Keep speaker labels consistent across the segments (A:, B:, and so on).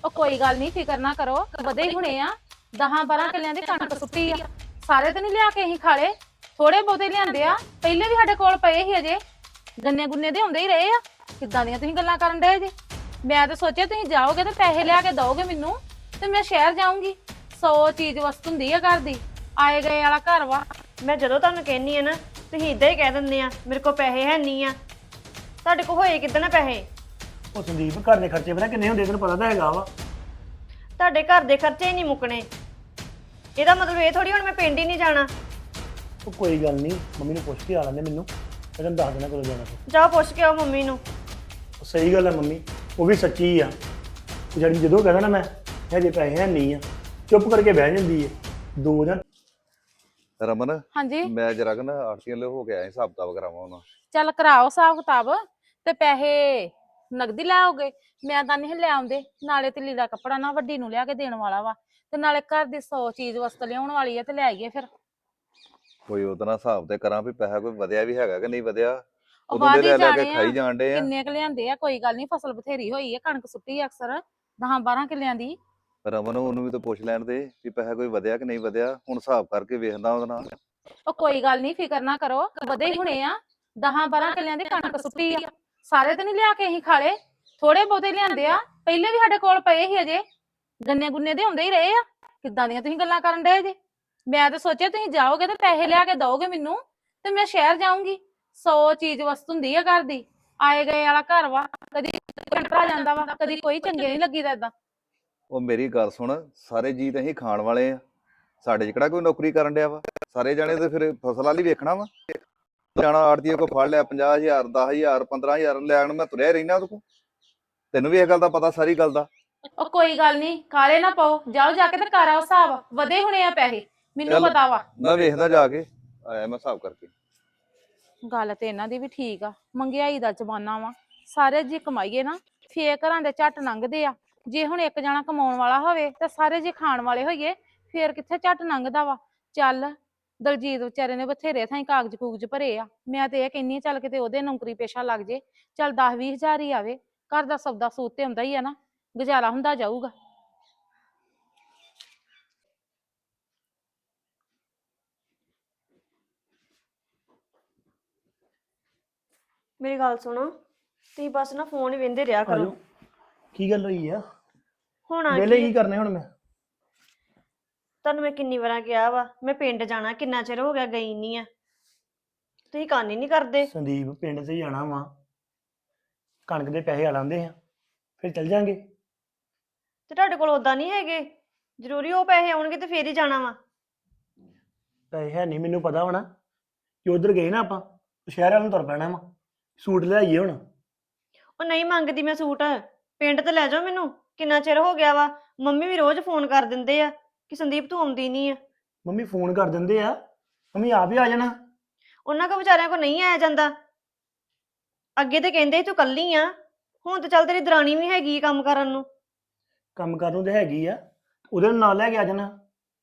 A: ਉਹ ਕੋਈ ਗੱਲ ਨਹੀਂ, ਫਿਕਰ ਨਾ ਕਰੋ, ਵਧੇ ਹੀ ਹੁਣੇ ਆ। 10-12 ਕਿੱਲਿਆਂ ਦੀ ਕਣਕ ਸੁੱਟੀ ਆ। ਸਾਰੇ ਤੇ ਨਹੀਂ ਲਿਆ ਕੇ ਅਸੀਂ ਖਾਲੇ, ਥੋੜੇ ਬਹੁਤੇ ਲਿਆਂਦੇ ਆ। ਪਹਿਲੇ ਵੀ ਸਾਡੇ ਕੋਲ ਪਏ ਸੀ, ਅਜੇ ਗੰਨੇ ਗੁੰਨੇ ਦੇ ਹੁੰਦੇ ਹੀ ਰਹੇ ਆ। ਕਿੱਦਾਂ ਦੀਆਂ ਤੁਸੀਂ ਗੱਲਾਂ ਕਰਨ ਡਏ ਜੇ? ਮੈਂ ਤਾਂ ਸੋਚਿਆ ਤੁਸੀਂ ਜਾਓਗੇ ਤੇ ਪੈਸੇ ਲਿਆ ਕੇ ਦਓਗੇ ਮੈਨੂੰ, ਤੇ ਮੈਂ ਸ਼ਹਿਰ ਜਾਊਂਗੀ। 100 ਚੀਜ਼ ਵਸਤ ਹੁੰਦੀ ਆ ਘਰ ਦੀ, ਆਏ ਗਏ ਵਾਲਾ ਘਰ ਵਾ।
B: ਮੈਂ ਜਦੋਂ ਤੁਹਾਨੂੰ ਕਹਿੰਨੀ ਆ ਨਾ, ਤੁਸੀਂ ਇਦਾਂ ਹੀ ਕਹਿ ਦਿੰਦੇ ਆ ਮੇਰੇ ਕੋਲ ਪੈਸੇ ਹੈ ਨਹੀਂ ਆ। ਤੁਹਾਡੇ ਕੋਲ ਹੋਏ ਕਿੱਦਾਂ ਨਾ ਪੈਸੇ?
C: ਉਹ ਸੰਦੀਪ, ਘਰ ਦੇ ਖਰਚੇ ਪਤਾ ਕਿੰਨੇ ਹੁੰਦੇ ਤੈਨੂੰ ਪਤਾ ਤਾਂ ਹੈਗਾ ਵਾ।
B: ਤੁਹਾਡੇ ਘਰ ਦੇ ਖਰਚੇ ਹੀ ਨਹੀਂ ਮੁੱਕਣੇ। ਇਹਦਾ ਮਤਲਬ ਇਹ ਥੋੜੀ ਹੁਣ ਮੈਂ ਪਿੰਡ ਹੀ ਨਹੀਂ ਜਾਣਾ।
C: ਉਹ ਕੋਈ ਗੱਲ ਨਹੀਂ, ਮੰਮੀ ਨੂੰ ਪੁੱਛ ਕੇ ਆ ਲੈਂਦੇ ਮੈਨੂੰ, ਮੈਂ ਤੈਨੂੰ ਦੱਸ ਦੇਣਾ ਕਦੋਂ ਜਾਣਾ। ਫਿਰ
B: ਜਾਓ ਪੁੱਛ ਕੇ ਆਓ ਮੰਮੀ ਨੂੰ।
C: ਉਹ ਸਹੀ ਗੱਲ ਹੈ ਮੰਮੀ, ਉਹ ਵੀ ਸੱਚੀ ਆ। ਜਿਹੜੀ ਜਦੋਂ ਕਹਿੰਦਾ ਨਾ ਮੈਂ ਹਜੇ ਪੈਸੇ ਹੈ ਨਹੀਂ ਆ, ਚੁੱਪ ਕਰਕੇ ਬਹਿ ਜਾਂਦੀ ਹੈ। ਦੋ ਜਾਂ
D: ਰਮਨ,
A: ਹਾਂਜੀ
D: ਮੈਂ ਜਰਾ ਨਾ ਆਰਤੀਆਂ ਲੈ ਹੋ ਗਿਆ ਹਿਸਾਬ ਕਿਤਾਬ ਕਰਾਵਾਂ ਉਹਨਾਂ।
A: ਚੱਲ ਕਰਾਓ ਹਿਸਾਬ ਕਿਤਾਬ। ਤੇ ਪੈਸੇ ਨਗਦੀ ਲੈ ਆਓਗੇ? ਮੈਂ ਤਾਂ ਨਹੀਂ ਲੈ ਆਉਂਦੇ, ਨਾਲੇ ਤੇ ਲੀੜਾ ਕੱਪੜਾ ਨਾ ਵੱਡੀ ਨੂੰ ਲਿਆ ਕੇ ਦੇਣ ਵਾਲਾ ਵਾ, ਤੇ ਨਾਲੇ ਘਰ ਦੀ 100 ਚੀਜ਼ ਵਸਤ ਲਿਆਉਣ ਵਾਲੀ ਆ, ਤੇ ਲੈ ਆਈਏ ਫਿਰ।
D: ਕੋਈ ਉਹਦਾ ਨਾ ਹਿਸਾਬ ਤੇ ਕਰਾਂ ਵੀ ਪੈਸਾ ਕੋਈ ਵਧਿਆ ਵੀ ਹੈਗਾ ਕਿ ਨਹੀਂ ਵਧਿਆ।
A: ਉਹ
D: ਉਦੋਂ ਦੇ
A: ਬਾਅਦ ਹੀ
D: ਲੈ ਲੈ ਕੇ
A: ਜਾਣੇ ਆ
D: ਖਾਈ ਜਾਣ ਡੇ ਆ।
A: ਕਿੰਨੇ ਕੁ ਲਿਆਂਦੇ ਆ। ਕੋਈ ਗੱਲ ਨਹੀਂ, ਫਸਲ ਬਥੇਰੀ ਹੋਈ ਆ, ਕਣਕ ਸੁੱਟੀ ਆ ਅਕਸਰ 10-12 ਕਿੱਲਿਆਂ ਦੀ।
D: ਰਮਨ, ਉਹਨੂੰ ਵੀ ਤਾਂ ਪੁੱਛ ਲੈਣ ਦੇ ਵੀ ਪੈਸਾ ਕੋਈ ਵਧਿਆ ਕਿ ਨਹੀਂ ਵਧਿਆ। ਹੁਣ ਹਿਸਾਬ ਕਰਕੇ ਵੇਖਦਾ ਉਹਦੇ ਨਾਲ।
A: ਉਹ ਕੋਈ ਗੱਲ ਨਹੀਂ, ਫਿਕਰ ਨਾ ਕਰੋ, ਵਧੇ ਹੀ ਹੁਣੇ ਆ। 10-12 ਕਿੱਲਿਆਂ ਦੀ ਕਣਕ ਸੁੱਟੀ ਆ। ਸਾਰੇ ਤੇ ਨਹੀਂ ਲਿਆ ਕੇ ਅਸੀਂ ਖਾਲੇ, ਥੋੜੇ ਬਹੁਤੇ ਲਿਆਂਦੇ ਆ। ਪਹਿਲੇ ਵੀ ਸਾਡੇ ਕੋਲ ਪਏ ਸੀ, ਅਜੇ ਗੰਨੇ ਗੁੰਨੇ ਦੇ ਹੁੰਦੇ ਹੀ ਰਹੇ ਆ। ਕਿੱਦਾਂ ਦੀਆਂ ਤੁਸੀਂ ਗੱਲਾਂ ਕਰਨ ਡਏ ਜੇ? ਮੈਂ ਤਾਂ ਸੋਚਿਆ ਤੁਸੀਂ ਜਾਓਗੇ ਤੇ ਪੈਸੇ ਲਿਆ ਕੇ ਦਓਗੇ ਮੈਨੂੰ, ਤੇ ਮੈਂ ਸ਼ਹਿਰ ਜਾਊਂਗੀ। 100 ਚੀਜ਼ ਵਸਤ ਹੁੰਦੀ ਆ ਘਰ ਦੀ, ਆਏ ਗਏ ਵਾਲਾ ਘਰ ਵਾ। ਕਦੀ ਭਰਾ ਜਾਂਦਾ ਵਾ, ਕਦੀ ਕੋਈ ਚੰਗੇ ਨਹੀਂ ਲੱਗੀਦਾ ਏਦਾਂ।
D: ਉਹ ਮੇਰੀ ਗੱਲ ਸੁਣ, ਸਾਰੇ ਜੀ ਤਾਂ ਅਸੀਂ ਖਾਣ ਵਾਲੇ ਆ। ਸਾਡੇ 'ਚ ਕਿਹੜਾ ਕੋਈ ਨੌਕਰੀ ਕਰਨ ਡਿਆ ਵਾ? ਸਾਰੇ ਜਾਣੇ ਤੇ ਫਿਰ ਫਸਲ ਵਾਲੀ ਵੇਖਣਾ ਵਾ। ਜਾਣਾ ਆੜਤੀਏ ਕੋ ਫੜ ਲਿਆ 50,000 10,000 15,000 ਲੈਣ, ਮੈਂ ਤੁਰਿਆ ਰਹਿਣਾ ਉਹਦੇ ਕੋਲ। ਤੈਨੂੰ ਵੀ ਇਹ ਗੱਲ ਦਾ ਪਤਾ, ਸਾਰੀ ਗੱਲ ਦਾ।
A: ਉਹ ਕੋਈ ਗੱਲ ਨਹੀਂ, ਕਾਲੇ ਨਾ ਪਾਓ, ਜਾਓ ਜਾ ਕੇ ਤੇ ਕਰ ਆਓ ਹਿਸਾਬ। ਵਧੇ ਹੁਣੇ ਆ ਪੈਸੇ, ਮੈਨੂੰ
D: ਚੱਲ।
A: ਪਤਾ ਵਾ।
D: ਮੈਂ ਵੇਖਦਾ ਜਾ ਕੇ, ਆਇਆ ਮੈਂ ਹਿਸਾਬ ਕਰਕੇ।
A: ਗੱਲ ਤੇ ਇਹਨਾਂ ਦੀ ਵੀ ਠੀਕ ਆ, ਮਹਿੰਗਾਈ ਦਾ ਜ਼ਮਾਨਾ ਵਾ। ਸਾਰੇ ਜੀ ਕਮਾਈਏ ਨਾ, ਫੇਰ ਘਰਾਂ ਦੇ ਝੱਟ ਲੰਘਦੇ ਆ। ਜੇ ਹੁਣ ਇੱਕ ਜਣਾ ਕਮਾਉਣ ਵਾਲਾ ਹੋਵੇ ਤੇ ਸਾਰੇ ਜੇ ਖਾਣ ਵਾਲੇ ਹੋਈਏ, ਫੇਰ ਕਿੱਥੇ ਝੱਟ ਲੰਘਦਾ ਵਾ। ਚੱਲ, ਦਲਜੀਤ ਵਿਚਾਰੇ ਨੇ ਬਥੇਰੇ ਥਾਈ ਕਾਗਜ਼ ਕੂਗਜ਼ ਭਰੇ ਆ। ਮੈਂ ਤੇ ਇਹ ਕਹਿੰਨੀ ਆ, ਚੱਲ ਕਿਤੇ ਉਹਦੇ ਨੌਕਰੀ ਪੇਸ਼ਾ ਲੱਗ ਜੇ। ਚੱਲ 10-20 ਹਜ਼ਾਰ ਹੀ ਆਵੇ, ਘਰ ਦਾ ਸੌਦਾ ਸੂਤ ਤੇ ਹੁੰਦਾ ਹੀ ਆ ਨਾ, ਗੁਜ਼ਾਰਾ ਹੁੰਦਾ ਜਾਊਗਾ।
B: ਮੇਰੀ ਗੱਲ ਸੁਣੋ, ਤੁਸੀਂ ਬਸ ਨਾ ਫੋਨ ਹੀ ਵੇਂਦੇ ਰਿਹਾ ਕਰੋ।
C: ਆਜੋ, ਕੀ ਗੱਲ ਹੋਈ ਆ?
B: ਹੁਣ ਆ
C: ਵਿਹਲੇ
B: ਕੀ
C: ਕੀ ਕਰਨੇ ਹੁਣ ਮੈਂ?
B: ਤੁਹਾਨੂੰ ਮੈਂ ਕਿੰਨੀ ਵਾਰਾਂ ਕਿਹਾ ਵਾ ਮੈਂ ਪਿੰਡ ਜਾਣਾ, ਕਿੰਨਾ ਚਿਰ ਹੋ ਗਿਆ ਗਈ ਨਹੀਂ ਆ। ਤੁਸੀਂ ਕੰਨ ਹੀ ਨਹੀਂ ਕਰਦੇ।
C: ਸੰਦੀਪ, ਪਿੰਡ ਤੇ ਜਾਣਾ ਵਾ, ਕਣਕ ਦੇ ਪੈਸੇ ਆ ਲਾਂਦੇ ਆ, ਫਿਰ ਚੱਲ ਜਾਂਗੇ।
B: ਤੇ ਤੁਹਾਡੇ ਕੋਲ ਉਦਾਂ ਨਹੀਂ ਹੈਗੇ? ਜ਼ਰੂਰੀ ਉਹ ਪੈਸੇ ਆਉਣਗੇ ਤੇ ਫੇਰ ਹੀ ਜਾਣਾ ਵਾ।
C: ਪੈਸੇ ਹੈ ਨਹੀਂ, ਮੈਨੂੰ ਪਤਾ ਵਾ ਨਾ ਕਿ ਉਧਰ ਗਏ ਨਾ ਆਪਾਂ, ਸ਼ਹਿਰ ਵਾਲ ਨੂੰ ਤੁਰ ਪੈਣਾ ਵਾ। ਸੂਟ ਲੈ ਆਈਏ ਹੁਣ।
B: ਉਹ ਨਹੀਂ ਮੰਗਦੀ ਮੈਂ ਸੂਟ, ਪਿੰਡ ਤੇ ਲੈ ਜਾਓ ਮੈਨੂੰ। ਕਿੰਨਾ ਚਿਰ ਹੋ ਗਿਆ ਵਾ, ਮੰਮੀ ਵੀ ਰੋਜ਼ ਫੋਨ ਕਰ ਦਿੰਦੇ ਆ ਕਿ ਸੰਦੀਪ ਤੂੰ ਆਉਂਦੀ ਨਹੀਂ ਆ।
C: ਮੰਮੀ ਫੋਨ ਕਰ ਦਿੰਦੇ ਆ, ਮੰਮੀ ਆਪ ਹੀ ਆ ਜਾਣਾ।
B: ਉਹਨਾਂ ਕੋ ਵਿਚਾਰਿਆਂ ਕੋ ਨਹੀਂ ਆਇਆ ਜਾਂਦਾ। ਅੱਗੇ ਤੇ ਕਹਿੰਦੇ ਸੀ ਤੂੰ ਕੱਲੀ ਆ, ਹੁਣ ਤੇ ਚੱਲ ਤੇਰੀ ਦਰਾਣੀ ਵੀ ਹੈਗੀ ਕੰਮ ਕਰਨ ਨੂੰ।
C: ਕੰਮ ਕਰਨ ਨੂੰ ਤੇ ਹੈਗੀ ਆ, ਉਹਦੇ ਨਾਲ ਲੈ ਕੇ ਆ ਜਾਣਾ।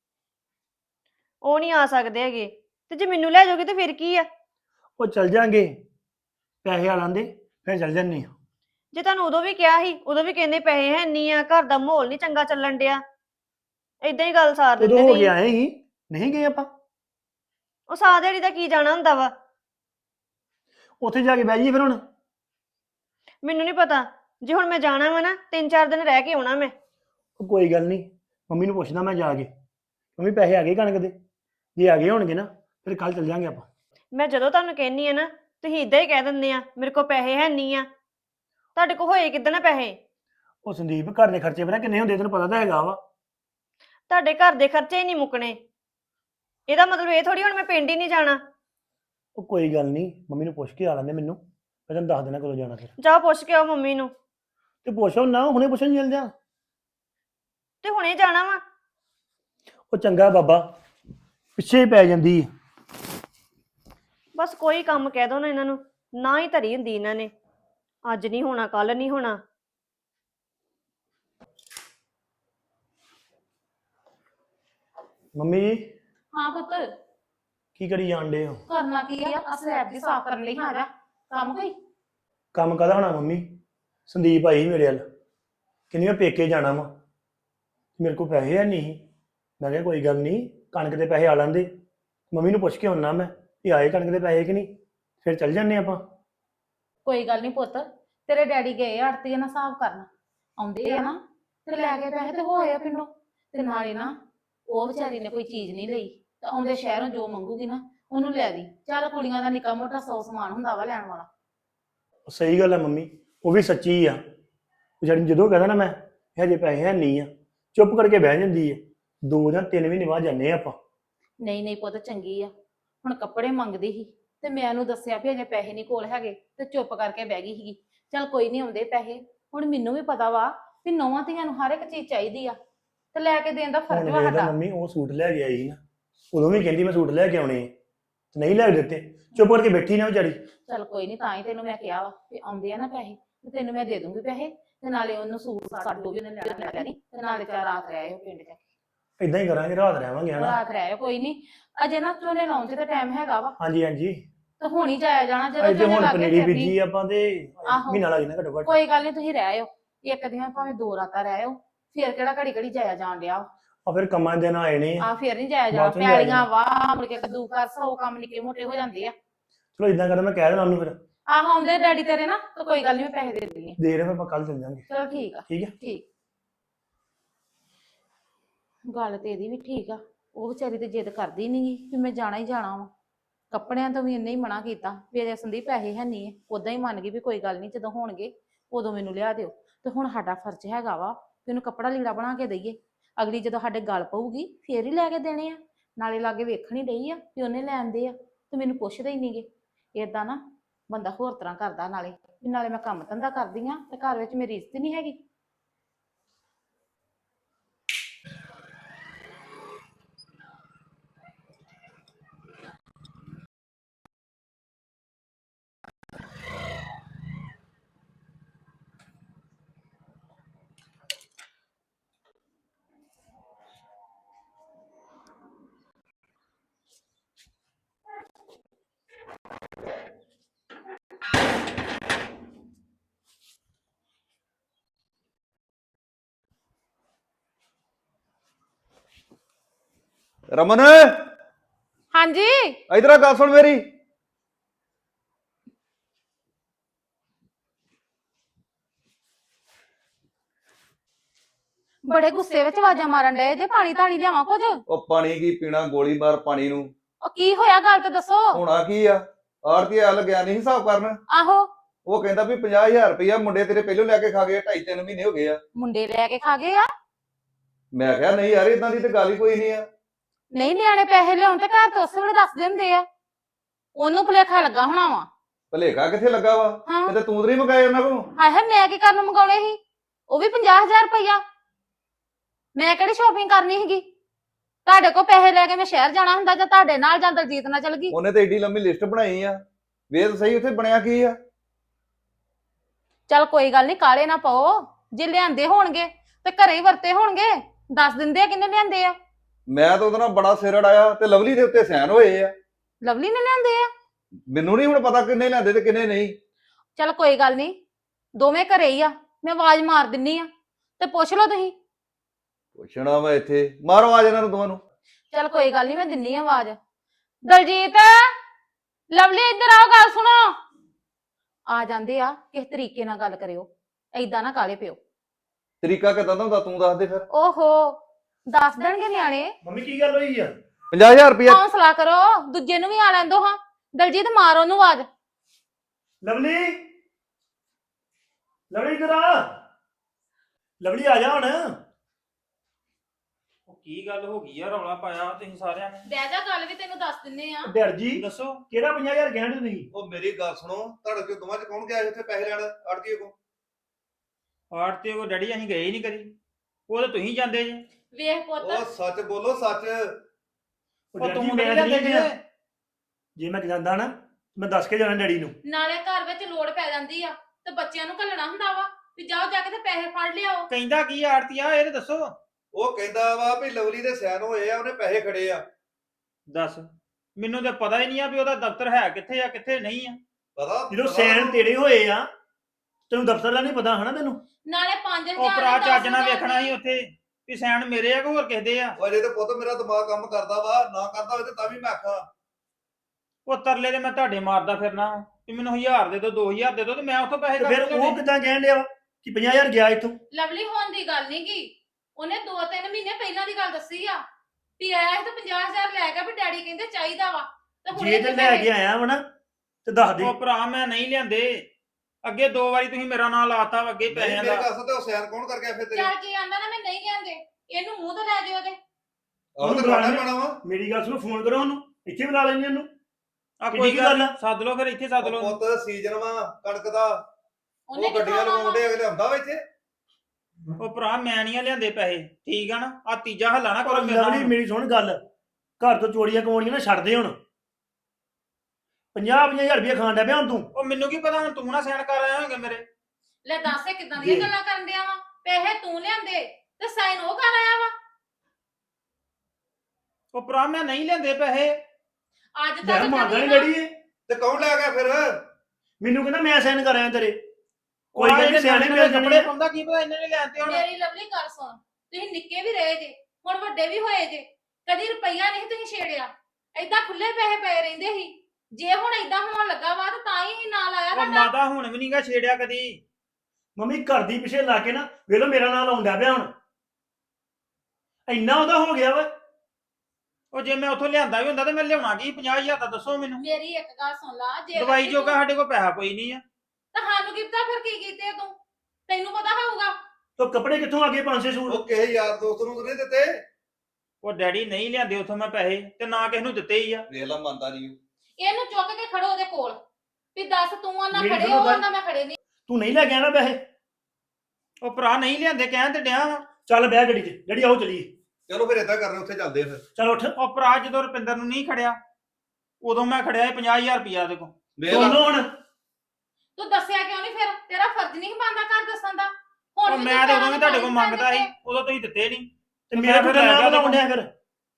B: ਉਹ ਨਹੀਂ ਆ ਸਕਦੇ ਹੈਗੇ, ਤੇ ਜੇ ਮੈਨੂੰ ਲੈ ਜਾਓਗੇ ਤੇ ਫਿਰ ਕੀ ਆ?
C: ਉਹ ਚੱਲ ਜਾਂਗੇ, ਪੈਸੇ ਆ ਲਾਂਦੇ, ਫਿਰ ਚੱਲ ਜੰਨੇ ਆ।
B: ਜੇ ਤੁਹਾਨੂੰ ਉਦੋਂ ਵੀ ਕਿਹਾ ਸੀ, ਉਦੋਂ ਵੀ ਕਹਿੰਦੇ ਪੈਸੇ ਹੈ ਨਹੀਂ ਆ, ਘਰ ਦਾ ਮਾਹੌਲ ਨਹੀਂ ਚੰਗਾ ਚੱਲਣ ਡਿਆ। ਏਦਾਂ ਹੀ ਗੱਲ ਸਾਰ
C: ਉਦੋਂ
B: ਦਿੰਦੇ
C: ਹੋ ਕੇ
B: ਤੁਸੀਂ।
C: ਆਏ ਹੀ, ਨਹੀਂ ਗਏ ਆਪਾਂ।
B: ਉਹ ਸਾਹ ਦਿਹਾੜੀ ਦਾ ਕੀ ਜਾਣਾ ਹੁੰਦਾ ਵਾ?
C: ਉੱਥੇ ਜਾ ਕੇ ਬਹਿ ਜਾਈਏ ਫਿਰ ਹੁਣ।
B: ਮੈਨੂੰ ਨਹੀਂ ਪਤਾ, ਜੇ ਹੁਣ ਮੈਂ ਜਾਣਾ ਵਾ ਨਾ 3-4 ਦਿਨ ਰਹਿ ਕੇ ਆਉਣਾ ਮੈਂ।
C: ਉਹ ਕੋਈ ਗੱਲ ਨਹੀਂ, ਮੰਮੀ ਨੂੰ ਪੁੱਛਦਾ ਮੈਂ ਜਾ ਕੇ। ਮੰਮੀ ਪੈਸੇ ਆ ਗਏ ਕਣਕ ਦੇ? ਜੇ ਆ ਗਏ ਹੋਣਗੇ ਨਾ, ਫਿਰ ਕੱਲ ਚੱਲ ਜਾਂਗੇ ਆਪਾਂ।
B: ਮੈਂ ਜਦੋਂ ਤੁਹਾਨੂੰ ਕਹਿੰਨੀ ਆ ਨਾ, ਤੁਸੀਂ ਇਦਾਂ ਹੀ ਕਹਿ ਦਿੰਦੇ ਆ ਮੇਰੇ ਕੋਲ ਪੈਸੇ ਹੈ ਨਹੀਂ ਆ। ਤੁਹਾਡੇ ਕੋਲ ਹੋਏ ਕਿੱਦਾਂ ਨਾ ਪੈਸੇ?
C: ਉਹ ਸੰਦੀਪ, ਘਰ ਦੇ ਖਰਚੇ ਪਤਾ ਕਿੰਨੇ ਹੁੰਦੇ ਤੈਨੂੰ ਪਤਾ ਤਾਂ ਹੈਗਾ ਵਾ।
B: ਤੁਹਾਡੇ ਘਰ ਦੇ ਖਰਚੇ ਹੀ ਨਹੀਂ ਮੁੱਕਣੇ। ਇਹਦਾ ਮਤਲਬ ਇਹ ਥੋੜੀ ਹੁਣ ਮੈਂ ਪਿੰਡ ਹੀ ਨਹੀਂ ਜਾਣਾ।
C: ਉਹ ਕੋਈ ਗੱਲ ਨਹੀਂ, ਮੰਮੀ ਨੂੰ ਪੁੱਛ ਕੇ ਆ ਲੈਂਦੇ ਮੈਨੂੰ, ਮੈਂ ਤੈਨੂੰ ਦੱਸ ਦੇਣਾ ਕਦੋਂ ਜਾਣਾ। ਫਿਰ
B: ਜਾਓ ਪੁੱਛ ਕੇ ਆਓ ਮੰਮੀ ਨੂੰ।
C: ਤੇ ਪੁੱਛੋ ਨਾ, ਹੁਣੇ ਪੁੱਛਣ ਚੱਲ ਜਾ।
B: ਤੇ ਹੁਣੇ ਜਾਣਾ ਵਾ।
C: ਉਹ ਚੰਗਾ ਬਾਬਾ, ਪਿੱਛੇ ਹੀ ਪੈ ਜਾਂਦੀ ਹੈ।
B: ਬਸ ਕੋਈ ਕੰਮ ਕਹਿ ਦੋ ਨਾ ਇਹਨਾਂ ਨੂੰ, ਨਾ ਹੀ ਧਰੀ ਹੁੰਦੀ ਇਹਨਾਂ ਨੇ। ਅੱਜ ਨਹੀਂ ਹੋਣਾ, ਕੱਲ ਨਹੀਂ ਹੋਣਾ।
C: ਮੰਮੀ ਜੀ,
A: ਹਾਂ ਪੁੱਤ,
C: ਕੀ ਕਰੀ ਜਾਂਦੇ ਹੋ?
A: ਕਰਨਾ ਕੀ ਆ? ਸਲੈਬ ਦੀ ਸਾਫ਼ ਕਰਨ ਲਈ ਆ ਜਾ, ਕੰਮ ਕੋਈ।
C: ਕੰਮ ਕਾਹਦਾ ਹੋਣਾ ਮੰਮੀ? ਸੰਦੀਪ ਆਈ ਸੀ ਮੇਰੇ ਵੱਲ, ਕਹਿੰਦੀ ਮੈਂ ਪੇਕੇ ਜਾਣਾ ਵਾ, ਮੇਰੇ ਕੋਲ ਪੈਸੇ ਹੈ ਨਹੀਂ। ਮੈਂ ਕਿਹਾ ਕੋਈ ਗੱਲ ਨਹੀਂ, ਕਣਕ ਦੇ ਪੈਸੇ ਆ ਲੈਂਦੇ, ਮੰਮੀ ਨੂੰ ਪੁੱਛ ਕੇ ਆਉਣਾ ਮੈਂ ਵੀ ਆਏ ਕਣਕ ਦੇ ਪੈਸੇ ਕਿ ਨਹੀਂ, ਫਿਰ ਚੱਲ ਜਾਂਦੇ ਆਪਾਂ।
A: ਕੋਈ ਗੱਲ ਨਹੀਂ ਪੁੱਤ, ਤੇਰੇ ਡੈਡੀ ਗਏ ਆੜਤੀ ਨਾਲ ਹਿਸਾਬ ਕਰਨ, ਆਉਂਦੇ ਆ ਨਾ ਤੇ ਲੈ ਕੇ ਪੈਸੇ ਤੇ ਹੋਏ ਆ ਪਿੰਡੋਂ। ਤੇ ਨਾਲੇ ਨਾ ਉਹ ਵਿਚਾਰੀ ਨੇ ਕੋਈ ਚੀਜ਼ ਨਹੀਂ ਲਈ, ਤੇ ਆਉਂਦੇ ਸ਼ਹਿਰੋਂ ਜੋ ਮੰਗੂਗੀ ਨਾ ਉਹਨੂੰ ਲੈ ਦੀ। ਚੱਲ ਕੁੜੀਆਂ ਦਾ ਨਿੱਕਾ ਮੋਟਾ 100 ਸਮਾਨ ਹੁੰਦਾ ਵਾ ਲੈਣ ਵਾਲਾ।
C: ਸਹੀ ਗੱਲ ਹੈ ਮੰਮੀ, ਉਹ ਵੀ ਸੱਚੀ ਆ। ਵਿਚਾਰੀ ਜਦੋਂ ਕਹਿੰਦਾ ਨਾ ਮੈਂ ਹਜੇ ਪੈਸੇ ਹੈ ਨਹੀਂ ਆ, ਚੁੱਪ ਕਰਕੇ ਬਹਿ ਜਾਂਦੀ ਹੈ। 2 ਜਾਂ 3 ਮਹੀਨੇ ਬਾਅਦ ਜਾਂਦੇ ਆਪਾਂ।
A: ਨਹੀਂ ਨਹੀਂ ਪੁੱਤ ਚੰਗੀ ਆ, ਹੁਣ ਕੱਪੜੇ ਮੰਗਦੀ ਸੀ ਤੇ ਮੈਂ ਉਹਨੂੰ ਦੱਸਿਆ ਵੀ ਅਜੇ ਪੈਸੇ ਨਹੀਂ ਕੋਲ ਹੈਗੇ, ਤੇ ਚੁੱਪ ਕਰਕੇ ਬਹਿ ਗਈ ਸੀਗੀ। ਚੱਲ ਕੋਈ ਨਹੀਂ, ਆਉਂਦੇ ਪੈਸੇ। ਹੁਣ ਮੈਨੂੰ ਵੀ ਪਤਾ ਵਾ ਵੀ ਨੌਵਾਂ ਧੀਆਂ ਨੂੰ ਹਰ ਇੱਕ ਚੀਜ਼ ਚਾਹੀਦੀ ਆ, ਤੇ ਲੈ ਕੇ ਦੇਣ ਦਾ ਫਰਜ਼
C: ਹੁਣ
A: ਵਾ
C: ਵੇਖਦਾ
A: ਸਾਡਾ।
C: ਮੰਮੀ, ਉਹ ਸੂਟ ਲੈ ਕੇ ਆਈ ਸੀ ਨਾ, ਉਦੋਂ ਵੀ ਕਹਿੰਦੀ ਮੈਂ ਸੂਟ ਲੈ ਕੇ ਆਉਣੇ ਆ, ਤੇ ਨਹੀਂ ਲੈ ਕੇ ਦਿੱਤੇ। ਚੁੱਪ ਕਰਕੇ ਬੈਠੀ ਨਾ ਵਿਚਾਰੀ।
A: ਚੱਲ ਕੋਈ ਨਹੀਂ, ਤਾਂ ਹੀ ਤੈਨੂੰ ਮੈਂ ਕਿਹਾ ਵਾ ਵੀ ਆਉਂਦੇ ਆ ਨਾ ਪੈਸੇ ਤੇ ਤੈਨੂੰ ਮੈਂ ਦੇ ਦੂੰਗੀ ਪੈਸੇ, ਤੇ ਨਾਲੇ ਉਹਨੂੰ ਸੂਟ ਸਾਟ ਜੋ ਵੀ ਉਹਨੇ ਲੈ ਲੈਣੀ, ਤੇ ਨਾਲੇ ਚਾਰ ਰਾਤ ਰਹਿ ਪਿੰਡ ਚ।
C: ਇਦਾਂ ਹੀ ਕਰਾਂਗੇ, ਰਾਤ ਰਹਿਵਾਂਗੇ ਹਨਾ।
A: ਰਾਤ ਰਹਿ ਕੋਈ ਨਹੀਂ, ਅਜੇ ਨਾ ਝੋਨੇ ਲਾਉਣ ਚ ਤਾਂ ਟਾਈਮ ਹੈਗਾ ਵਾ,
C: ਹਾਂਜੀ ਹਾਂਜੀ,
A: ਤੇ ਹੁਣ ਹੀ ਜਾਇਆ ਜਾਣਾ ਜਦੋਂ
C: ਅਜੇ ਤੇ
A: ਝੋਨੇ
C: ਹੁਣ
A: ਲੱਗੇ
C: ਪਨੀਰੀ
A: ਫਿਰ ਵੀ।
C: ਬੀਜੀ ਆਪਾਂ ਤੇ
A: ਆਹੋ।
C: ਮਹੀਨਾ ਲੱਗ ਜਾਣਾ ਘੱਟੋ ਘੱਟ।
A: ਕੋਈ ਗੱਲ ਨਹੀਂ, ਤੁਸੀਂ ਰਹਿ ਆਓ ਇੱਕ ਦੀਆਂ ਭਾਵੇਂ 2 ਰਾਤਾਂ ਰਹਿ ਆਓ, ਫਿਰ ਕਿਹੜਾ ਘੜੀ ਘੜੀ ਜਾਇਆ ਜਾਣ ਡਿਆ ਵਾ।
C: ਆ ਫਿਰ ਕੰਮਾਂ ਦੇ ਦਿਨ ਆਏ ਨੇ,
A: ਆ ਫਿਰ ਨਹੀਂ ਜਾਇਆ ਜਾਣਾ,
C: ਬਾਅਦ ਚੋਂ ਨੀ ਜਾਇਆ
A: ਪੈਲੀਆਂ ਵਾਹ ਮੁੜ ਕੇ ਕੱਦੂ ਕਰ 100 ਕੰਮ ਨਿੱਕੇ ਮੋਟੇ ਹੋ ਜਾਂਦੇ ਆ।
C: ਚਲੋ ਇਦਾਂ ਕਰਦਾ, ਮੈਂ ਕਹਿ ਦੇਣਾ ਉਹਨੂੰ, ਫਿਰ
A: ਆਹ ਆਉਂਦੇ ਡੈਡੀ ਤੇਰੇ ਨਾ, ਤਾਂ ਕੋਈ ਗੱਲ ਨਹੀਂ, ਮੈਂ ਪੈਸੇ ਦੇ ਦਿੰਦੀ ਆ।
C: ਦੇ ਰਹੇ ਆਪਾਂ ਕੱਲ ਚੱਲ ਜਾਂਗੇ।
A: ਚਲੋ ਠੀਕ ਆ।
C: ਠੀਕ ਹੈ।
A: ਠੀਕ, ਗੱਲ ਤੇ ਇਹਦੀ ਵੀ ਠੀਕ ਆ। ਉਹ ਵਿਚਾਰੀ ਤੇ ਜਿੱਦ ਕਰਦੀ ਨੀ ਵੀ ਮੈਂ ਜਾਣਾ ਹੀ ਜਾਣਾ ਵਾ। ਕੱਪੜਿਆਂ ਤੋਂ ਵੀ ਇੰਨੇ ਹੀ ਮਨਾ ਕੀਤਾ ਵੀ ਅਜੇ ਸੰਦੀਪ ਪੈਸੇ ਹੈ ਨਹੀਂ, ਉਦਾਂ ਹੀ ਮੰਨ ਗਈ ਵੀ ਕੋਈ ਗੱਲ ਨਹੀਂ, ਜਦੋਂ ਹੋਣਗੇ ਉਦੋਂ ਮੈਨੂੰ ਲਿਆ ਦਿਓ। ਤੇ ਹੁਣ ਸਾਡਾ ਫਰਜ਼ ਹੈਗਾ ਵਾ ਵੀ ਉਹਨੂੰ ਕੱਪੜਾ ਲੀੜਾ ਬਣਾ ਕੇ ਦਈਏ। ਅਗਲੀ ਜਦੋਂ ਸਾਡੇ ਗੱਲ ਪਊਗੀ ਫੇਰ ਹੀ ਲੈ ਕੇ ਦੇਣੇ ਆ। ਨਾਲੇ ਲਾਗੇ ਵੇਖਣ ਹੀ ਡਈ ਆ ਵੀ ਉਹਨੇ ਲੈ ਆਂਦੇ ਆ, ਤੇ ਮੈਨੂੰ ਪੁੱਛਦੇ ਹੀ ਨਹੀਂਗੇ। ਏਦਾਂ ਨਾ ਬੰਦਾ ਹੋਰ ਤਰ੍ਹਾਂ ਕਰਦਾ, ਨਾਲੇ ਮੈਂ ਕੰਮ ਧੰਦਾ ਕਰਦੀ ਆ ਤੇ ਘਰ ਵਿੱਚ ਮੇਰੀ ਇੱਜ਼ਤ ਨਹੀਂ ਹੈਗੀ।
D: ਰਮਨ,
A: ਹਾਂਜੀ
D: ਇਧਰ ਆ ਗੱਲ ਸੁਣ ਮੇਰੀ।
A: ਬੜੇ ਗੁੱਸੇ ਵਿੱਚ ਆਵਾਜ਼ਾਂ ਮਾਰਨ ਡਏ ਜੇ, ਪਾਣੀ ਧਾਣੀ ਲਿਆਵਾਂ ਕੁਝ?
D: ਉਹ ਪਾਣੀ ਕੀ ਪੀਣਾ, ਗੋਲੀ ਮਾਰ ਪਾਣੀ ਨੂੰ।
A: ਉਹ ਕੀ ਹੋਇਆ, ਗੱਲ ਤੇ ਦੱਸੋ।
D: ਹੋਣਾ ਕੀ ਆ, ਆੜਤੀ ਆ ਲੱਗਿਆ ਨਹੀਂ ਹਿਸਾਬ ਕਰਨ।
A: ਆਹੋ,
D: ਉਹ ਕਹਿੰਦਾ ਵੀ 50,000 ਰੁਪਇਆ ਮੁੰਡੇ ਤੇਰੇ ਪਹਿਲੋਂ ਲੈ ਕੇ ਖਾ ਗਏ, 2.5-3 ਮਹੀਨੇ ਹੋ ਗਏ ਆ।
A: ਮੁੰਡੇ ਲੈ ਕੇ ਖਾ ਗਏ ਆ?
D: ਮੈਂ ਕਿਹਾ ਨਹੀਂ ਯਾਰ, ਇਦਾਂ ਦੀ ਤੇ ਗੱਲ ਹੀ ਕੋਈ ਨਹੀਂ ਆ।
A: ਨਹੀਂ, ਨਿਆਣੇ ਪੈਸੇ ਲਿਆਉਣ ਤੇ ਘਰ ਤੋਂ ਉਸੇ ਵੇਲੇ ਦੱਸ ਦਿੰਦੇ ਆ। ਉਹਨੂੰ ਭੁਲੇਖਾ ਲੱਗਾ ਹੋਣਾ ਵਾ।
D: ਭਲੇਖਾ ਕਿੱਥੇ ਲੱਗਾ ਵਾ,
A: ਹਾਂ,
D: ਕਿਤੇ ਤੂੰ ਨਹੀਂ ਮਗਾਏ ਉਹਨਾਂ ਕੋਲ।
A: ਹਾਏ ਹਾਏ, ਮੈਂ ਕੀ ਕਰਨ ਨੂੰ ਮੰਗਾਉਣੇ ਸੀ? ਉਹ ਵੀ 50,000 ਰੁਪਇਆ। ਮੈਂ ਕਿਹੜੀ ਸ਼ਾਪਿੰਗ ਕਰਨੀ ਸੀਗੀ? ਤੁਹਾਡੇ ਕੋਲ ਪੈਸੇ ਲੈ ਕੇ ਮੈਂ ਸ਼ਹਿਰ ਜਾਣਾ ਹੁੰਦਾ, ਜਾਂ ਤੁਹਾਡੇ ਨਾਲ ਜਾਂ ਦਲਜੀਤ ਨਾਲ ਚਲ ਗਈ?
D: ਉਹਨੇ ਤੇ ਏਡੀ ਲੰਮੀ ਲਿਸਟ ਬਣਾਈ ਆ, ਵੇਖ ਸਹੀ ਉੱਥੇ ਬਣਿਆ ਕੀ ਆ।
A: ਚੱਲ ਕੋਈ ਗੱਲ ਨਹੀਂ, ਕਾਲੇ ਨਾ ਪਾਓ। ਜੇ ਲਿਆਂਦੇ ਹੋਣਗੇ ਤੇ ਘਰੇ ਹੀ ਵਰਤੇ ਹੋਣਗੇ, ਦੱਸ ਦਿੰਦੇ ਆ ਕਿੰਨੇ ਲਿਆਂਦੇ ਆ।
D: ਮੈਂ ਤਾਂ ਉਹਦੇ ਨਾਲ ਬੜਾ ਸਿਰ ਅੜਾਇਆ, ਤੇ ਲਵਲੀ ਦੇ ਉੱਤੇ ਸੈਨ ਹੋਏ ਆ।
A: ਲਵਲੀ ਨੇ ਲਿਆਂਦੇ ਆ?
D: ਮੈਨੂੰ ਨਹੀਂ ਹੁਣ ਪਤਾ ਕਿੰਨੇ ਲਿਆਂਦੇ ਤੇ ਕਿੰਨੇ ਨਹੀਂ।
A: ਚੱਲ ਕੋਈ ਗੱਲ ਨਹੀਂ, ਦੋਵੇਂ ਘਰੇ ਹੀ ਆ, ਮੈਂ ਆਵਾਜ਼ ਮਾਰ ਦਿੰਨੀ ਆ ਤੇ ਪੁੱਛ ਲਓ ਤੁਸੀਂ।
D: ਪੁੱਛਣਾ ਵਾ ਇੱਥੇ, ਮਾਰੋ ਆਵਾਜ਼ ਇਹਨਾਂ ਨੂੰ ਦੋਵਾਂ ਨੂੰ।
A: ਚੱਲ ਕੋਈ ਗੱਲ ਨਹੀਂ, ਮੈਂ ਦਿੰਨੀ ਆ ਆਵਾਜ਼। ਦਲਜੀਤ, ਲਵਲੀ ਇੱਧਰ ਆਓ, ਗੱਲ ਸੁਣੋ। ਆ ਜਾਂਦੇ ਆ, ਕਿਸ ਤਰੀਕੇ ਨਾਲ ਗੱਲ ਕਰਿਓ, ਏਦਾਂ ਨਾ ਕਾਲੇ ਪਿਓ।
D: ਤਰੀਕਾ ਕਿਦਾਂ ਦਾ ਹੁੰਦਾ ਤੂੰ ਦੱਸ ਦੇ ਫਿਰ।
A: ਓਹੋ, ਦੱਸ ਦੇਣਗੇ ਨਿਆਣੇ।
C: ਮੰਮੀ ਕੀ ਗੱਲ ਹੋਈ ਆ?
D: 50,000 ਰੁਪਇਆ।
A: ਹੌਸਲਾ ਕਰੋ, ਦੂਜੇ ਨੂੰ ਵੀ ਆ ਲੈਣ ਦੋ। ਹਾਂ ਦਲਜੀਤ, ਮਾਰ ਉਹਨੂੰ ਆਵਾਜ਼।
C: ਲਵਲੀ, ਲਵਲੀ ਇਧਰ ਆ। ਲਵਲੀ ਆ ਜਾ ਹੁਣ।
E: ਉਹ ਕੀ ਗੱਲ ਹੋ ਗਈ ਆ, ਰੌਲਾ ਪਾਇਆ ਤੁਸੀਂ ਸਾਰਿਆਂ ਨੇ?
A: ਬਹਿ ਜਾ, ਗੱਲ ਵੀ ਤੈਨੂੰ ਦੱਸ ਦਿੰਨੇ ਆ।
C: ਡਰ ਜੀ,
E: ਦੱਸੋ।
C: ਕਿਹੜਾ 50,000 ਕਹਿਣ ਦੇ ਤੁਸੀਂ?
D: ਉਹ ਮੇਰੀ ਗੱਲ ਸੁਣੋ, ਤੁਹਾਡੇ ਚੋਂ ਦੋਵਾਂ ਚ ਕੌਣ ਗਿਆ ਇੱਥੇ ਪੈਸੇ ਲੈਣ ਆੜਤੀਏ ਕੋ?
E: ਆੜਤੀ ਕੋ ਡੈਡੀ ਅਸੀਂ ਗਏ ਹੀ ਨਹੀਂ ਕਰੀ, ਉਹ ਤਾਂ ਤੁਸੀਂ ਜਾਂਦੇ ਜੇ।
A: ਵੇਖ ਪੁੱਤ,
D: ਉਹ ਸੱਚ ਬੋਲੋ, ਸੱਚ।
C: ਉਹ
E: ਉਹ
C: ਡਰ
E: ਤੂੰ
C: ਜੀ,
E: ਨਹੀਂ
C: ਮੈਂ
E: ਜਾਂਦੇ
C: ਨਹੀਂ
E: ਜੇ।
C: ਗਿਆ। ਜੇ ਮੈਂ ਜਾਂਦਾ ਨਾ, ਮੈਂ ਦੱਸ ਕੇ ਜਾਣਾ ਡੈਡੀ ਨੂੰ।
A: ਨਾਲੇ ਘਰ ਵਿੱਚ ਲੋੜ ਪੈ ਜਾਂਦੀ ਆ ਤੇ ਬੱਚਿਆਂ ਨੂੰ ਘੱਲਣਾ ਹੁੰਦਾ ਵਾ ਵੀ ਜਾਓ ਜਾ ਕੇ ਤੇ ਪੈਸੇ ਫੜ ਲਿਆਓ।
E: ਕਹਿੰਦਾ ਕੀ ਆੜਤੀ ਆ, ਇਹ ਤਾਂ ਦੱਸੋ।
D: ਉਹ ਕਹਿੰਦਾ ਵਾ ਵੀ ਲਵਲੀ ਦੇ ਸੈਨ ਹੋਏ ਆ, ਉਹਨੇ ਪੈਸੇ ਖੜੇ ਆ।
E: ਦੱਸ, ਮੈਨੂੰ ਤਾਂ ਪਤਾ ਹੀ ਨਹੀਂ ਆ ਵੀ ਉਹਦਾ ਦਫ਼ਤਰ ਹੈ ਕਿੱਥੇ ਆ ਕਿੱਥੇ ਨਹੀਂ ਆ।
D: ਪਤਾ
C: ਜਦੋਂ ਸੈਨ ਤੇਰੇ ਹੋਏ ਆ, ਤੈਨੂੰ ਦਫ਼ਤਰ ਦਾ ਨਹੀਂ ਪਤਾ ਹਨਾ ਤੈਨੂੰ।
A: ਨਾਲੇ 5000
E: ਉਹ ਭਰਾ ਚੱਜ ਨਾਲ ਵੇਖਣਾ ਸੀ ਉੱਥੇ ਵੀ ਸੈਣ ਮੇਰੇ ਆ ਕਿ ਹੋਰ ਕਿਸੇ ਦੇ ਆ।
D: ਓਏ ਜੇ ਤੇ ਪੁੱਤ ਮੇਰਾ ਦਿਮਾਗ ਕੰਮ ਕਰਦਾ ਵਾ, ਨਾ ਕਰਦਾ ਹੋਵੇ ਤੇ ਤਾਂ ਵੀ ਮੈਂ ਆਖਾਂ।
E: ਉਹ ਤਰਲੇ ਤੇ ਮੈਂ ਤੁਹਾਡੇ ਮਾਰਦਾ ਫਿਰਨਾ ਵੀ ਮੈਨੂੰ 1000 ਦੇ ਦਿਓ 2000 ਦੇ ਦਿਓ ਤੇ ਮੈਂ ਉੱਥੋਂ ਪੈਸੇ
C: ਤੇ ਫਿਰ ਉਹ ਕਿੱਦਾਂ ਕਹਿਣ ਡਿਆ ਵਾ ਕਿ 50000 ਗਿਆ ਇੱਥੋਂ?
A: ਲਵਲੀ ਹੋਣ ਦੀ ਗੱਲ ਨਹੀਂ ਗੀ, ਉਹਨੇ 2-3 ਮਹੀਨੇ ਪਹਿਲਾਂ ਦੀ ਗੱਲ ਦੱਸੀ ਆ ਵੀ ਆਇਆ ਸੀ ਤੇ 50000 ਲੈ ਗਿਆ ਵੀ ਡੈਡੀ ਕਹਿੰਦੇ ਚਾਹੀਦਾ ਵਾ ਤੇ ਹੁਣ
C: ਜੇ ਤੇ ਲੈ ਕੇ ਆਇਆ ਵਾ ਨਾ ਤੇ ਦੱਸ ਦੇ।
E: ਉਹ ਭਰਾ ਮੈਂ ਨਹੀਂ ਲਿਆਂਦੇ। ਅੱਗੇ 2 ਵਾਰੀ ਤੁਸੀਂ ਮੇਰਾ ਨਾਂ ਲਾਤਾ ਵਾ ਅੱਗੇ
D: ਨਹੀਂ
E: ਪੈਸਿਆਂ
D: ਮੇਰੇ
E: ਦਾ।
D: ਘਰ ਤੇ ਉਹ ਸੈਨ ਕੌਣ ਕਰ ਗਿਆ ਫਿਰ ਤੇਰੇ?
A: ਚੱਲ ਕੀ ਆਂਦਾ ਨਾ ਮੈਂ ਨਹੀਂ ਲਿਆਂਦੇ, ਇਹਨੂੰ ਮੂੰਹ ਤੇ ਲੈ ਜਿਓ ਤੇ।
D: ਉਹ ਤਾਂ ਖਾਣਾ ਪੈਣਾ ਵਾ।
C: ਮੇਰੀ ਗੱਲ ਸੁਣੋ, ਫੋਨ ਕਰੋ ਉਹਨੂੰ, ਇੱਥੇ ਬੁਲਾ ਲੈਣੇ ਉਹਨੂੰ।
E: ਆ
C: ਕਿੱਡੀ
E: ਕੋਈ
C: ਕੁ
E: ਗੱਲ
C: ਗੱਲ
E: ਨੀ,
C: ਆ?
E: ਸੱਦ ਲਓ ਫਿਰ ਇੱਥੇ ਸੱਦ
D: ਉਹ
E: ਲਓ।
D: ਪੁੱਤ ਸੀਜ਼ਨ ਵਾ ਕਣਕ ਦਾ,
A: ਉਹਨੇ
D: ਉਹ ਗੱਡੀਆਂ
A: ਕਿੱਥੋਂ ਆਉਣਾ
D: ਲਵਾਉਂਦੇ ਅਗਲੇ ਆਉਂਦਾ ਵਾ ਇੱਥੇ।
E: ਉਹ ਭਰਾ ਮੈਂ ਨਹੀਂ ਲਿਆਂਦੇ ਪੈਸੇ, ਠੀਕ ਆ ਨਾ। ਆ ਤੀਜਾ ਹੱਲਾ ਨਾ ਕਰੋ
C: ਪਰ
E: ਮੇਰੇ
C: ਲਵਲੀ
E: ਨਾਲ।
C: ਮੇਰੀ ਸੁਣ ਗੱਲ, ਘਰ ਤੋਂ ਚੋਰੀਆਂ ਕਮਾਉਣੀਆਂ ਨਾ ਛੱਡ ਦੇ ਹੁਣ। 50,000 ਰੁਪਏ ਖਾਣ ਡਿਆ ਪਿਆ ਹੁਣ ਤੂੰ।
E: ਉਹ ਮੈਨੂੰ ਕੀ ਪਤਾ ਹੁਣ ਤੂੰ ਨਾ ਸੈਨ ਕਰ ਆਇਆ ਹੋਵੇਂਗਾ ਮੇਰੇ।
A: ਲੈ ਦੱਸ ਇਹ ਕਿਦਾਂ ਦੀਆਂ
C: ਜੀ।
A: ਗੱਲਾਂ ਕਰਨ ਡਿਆ ਵਾ? ਪੈਸੇ ਤੂੰ ਲਿਆਂਦੇ ਤੇ ਸਾਈਨ ਉਹ ਕਰ ਆਇਆ ਵਾ।
E: ਉਹ ਭਰਾ ਮੈਂ ਨਹੀਂ ਲਿਆਂਦੇ ਪੈਸੇ।
A: ਅੱਜ
C: ਯਾਰ
A: ਤੱਕ
C: ਮੰਗਦਾ
A: ਕਦੀ
C: ਨਹੀਂ
A: ਨਾ-
C: ਡੈਡੀ ਇਹ।
D: ਤੇ ਕੌਣ ਲੈ ਗਿਆ ਫਿਰ?
C: ਮੈਨੂੰ ਕਹਿੰਦਾ ਮੈਂ ਸਾਈਨ ਕਰ ਆਇਆ ਤੇਰੇ। ਕੋਈ
E: ਉਹ
C: ਗੱਲ
E: ਜਿਹੜੇ
C: ਨਹੀਂ, ਸਿਆਣੇ
E: ਕੱਪੜੇ
C: ਮਿਲ ਜਾਣੇ ਆ।
E: ਪਾਉਂਦਾ ਕੀ ਪਤਾ ਇਹਨਾਂ ਨੇ ਲੈਂਦੇ ਹੁਣ।
A: ਮੇਰੀ ਲਵਲੀ ਗੱਲ ਸੁਣ, ਤੁਸੀਂ ਨਿੱਕੇ ਵੀ ਰਹੇ ਜੇ, ਹੁਣ ਵੱਡੇ ਵੀ ਹੋਏ ਜੇ, ਕਦੀ ਰੁਪਈਆ ਨਹੀਂ ਤੁਸੀਂ ਛੇੜਿਆ। ਏਦਾਂ ਖੁੱਲੇ ਪੈਸੇ ਪਏ ਰਹਿੰਦੇ ਸੀ। ਜੇ ਹੁਣ ਏਦਾਂ ਹੋਣ ਲੱਗਾ ਵਾ ਤਾਂ ਹੀ ਨਾਲ ਆਇਆ
E: ਉਹ
A: ਸਾਡਾ।
E: ਮਾਤਾ ਹੁਣ ਵੀ ਨਹੀਂਗਾ ਛੇੜਿਆ ਕਦੀ।
C: ਮੰਮੀ ਘਰ ਦੀ ਪਿੱਛੇ ਲਾ ਕੇ ਨਾ ਵੇਲੋ ਮੇਰਾ ਨਾਂ ਲਾਉਣ ਡਿਆ ਪਿਆ ਹੁਣ। ਇੰਨਾ ਉਹਦਾ ਹੋ ਗਿਆ ਵਾ।
E: ਉਹ ਜੇ ਮੈਂ ਉੱਥੋਂ ਲਿਆਂਦਾ ਵੀ ਹੁੰਦਾ ਤੇ ਮੈਂ ਲਿਆਉਣਾ ਕੀ 50000 ਦਾ ਦੱਸੋ ਮੈਨੂੰ।
A: ਮੇਰੀ ਇੱਕ ਗੱਲ ਸੁਣ ਲਾ, ਜੇ
E: ਦਵਾਈ
A: ਲਵਲੀ
E: ਜੋਗਾ
A: ਤੂੰ-
E: ਸਾਡੇ ਕੋਲ ਪੈਸਾ ਕੋਈ ਨਹੀਂ ਆ।
A: ਤੁਹਾਨੂੰ ਕੀ ਪਤਾ ਫਿਰ ਕੀ ਕੀਤੇ ਤੂੰ? ਤੈਨੂੰ ਪਤਾ ਹੋਊਗਾ।
C: ਤੋ ਕੱਪੜੇ ਕਿੱਥੋਂ ਆ ਗਏ 500 ਸੂਟ?
D: ਉਹ ਕਿਸੇ ਯਾਰ ਦੋਸਤ ਨੂੰ ਤਾਂ ਨਹੀਂ ਦਿੱਤੇ?
E: ਉਹ ਡੈਡੀ ਨਹੀਂ ਲਿਆਂਦੇ ਉੱਥੋਂ ਮੈਂ ਪੈਸੇ ਤੇ ਨਾ ਕਿਸੇ ਨੂੰ ਦਿੱਤੇ ਹੀ ਆ।
D: ਵੇਖ ਲਾ ਮੰਨਦਾ ਨਹੀਂ।
A: ਇਹਨੂੰ ਚੁੱਕ ਕੇ ਖੜੋ ਉਹਦੇ ਕੋਲ ਵੀ ਦੱਸ ਤੂੰ ਆਨਾ
C: ਮੇਰੀ
A: ਖੜੇ
C: ਸੁਣੋ
A: ਹੋ
C: ਗੱਲ।
A: ਆਂਦਾ ਮੈਂ ਖੜੇ ਨਹੀਂ।
C: ਤੂੰ ਨਹੀਂ ਲੈ ਕੇ ਆਣਾ ਪੈਸੇ?
E: ਉਹ ਭਰਾ ਨਹੀਂ ਲਿਆਂਦੇ ਕਹਿਣ ਤੇ ਡਿਆ ਵਾ।
C: ਚੱਲ ਬਹਿ ਗੱਡੀ 'ਚ, ਗੱਡੀ ਆਓ ਚਲੀਏ।
D: ਚਲੋ ਫਿਰ ਏਦਾਂ ਕਰਨੇ, ਉੱਥੇ ਚੱਲਦੇ ਆ ਫਿਰ।
C: ਚੱਲ ਉੱਠ।
E: ਉਹ ਭਰਾ ਜਦੋਂ ਰੁਪਿੰਦਰ ਨੂੰ ਨਹੀਂ ਖੜਿਆ ਉਦੋਂ ਮੈਂ ਖੜਿਆ ਸੀ 50000 ਰੁਪਇਆ ਉਹਦੇ ਕੋਲ।
D: ਵੇਖ ਲਾ।
C: ਸੁਣੋ ਹੁਣ,
A: ਤੂੰ ਦੱਸਿਆ ਕਿਉਂ ਨਹੀਂ? ਫਿਰ ਤੇਰਾ ਫਰਜ਼ ਨਹੀਂ ਬਣਦਾ ਘਰ ਦੱਸਣ ਦਾ। ਹੁਣ
E: ਉਹ
A: ਵੀ
E: ਮੈਂ
A: ਤੂੰ
E: ਤੇ ਉਦੋਂ ਵੀ
A: ਪੈਰਾਂ
E: ਤੁਹਾਡੇ
A: ਦੇ
E: ਕੋਲ
A: ਪੈਸੇ
E: ਮੰਗਦਾ ਸੀ,
A: ਦਿੱਤੇ।
E: ਉਦੋਂ ਤੁਸੀਂ ਦਿੱਤੇ ਨਹੀਂ।
C: ਤੇ
E: ਮੈਂ
C: ਮੇਰਾ
E: ਫਿਰ
C: ਫਿਰ
E: ਲੈ
C: ਨਾਮ
E: ਗਿਆ
C: ਲਾਉਣ ਡਿਆ ਫਿਰ।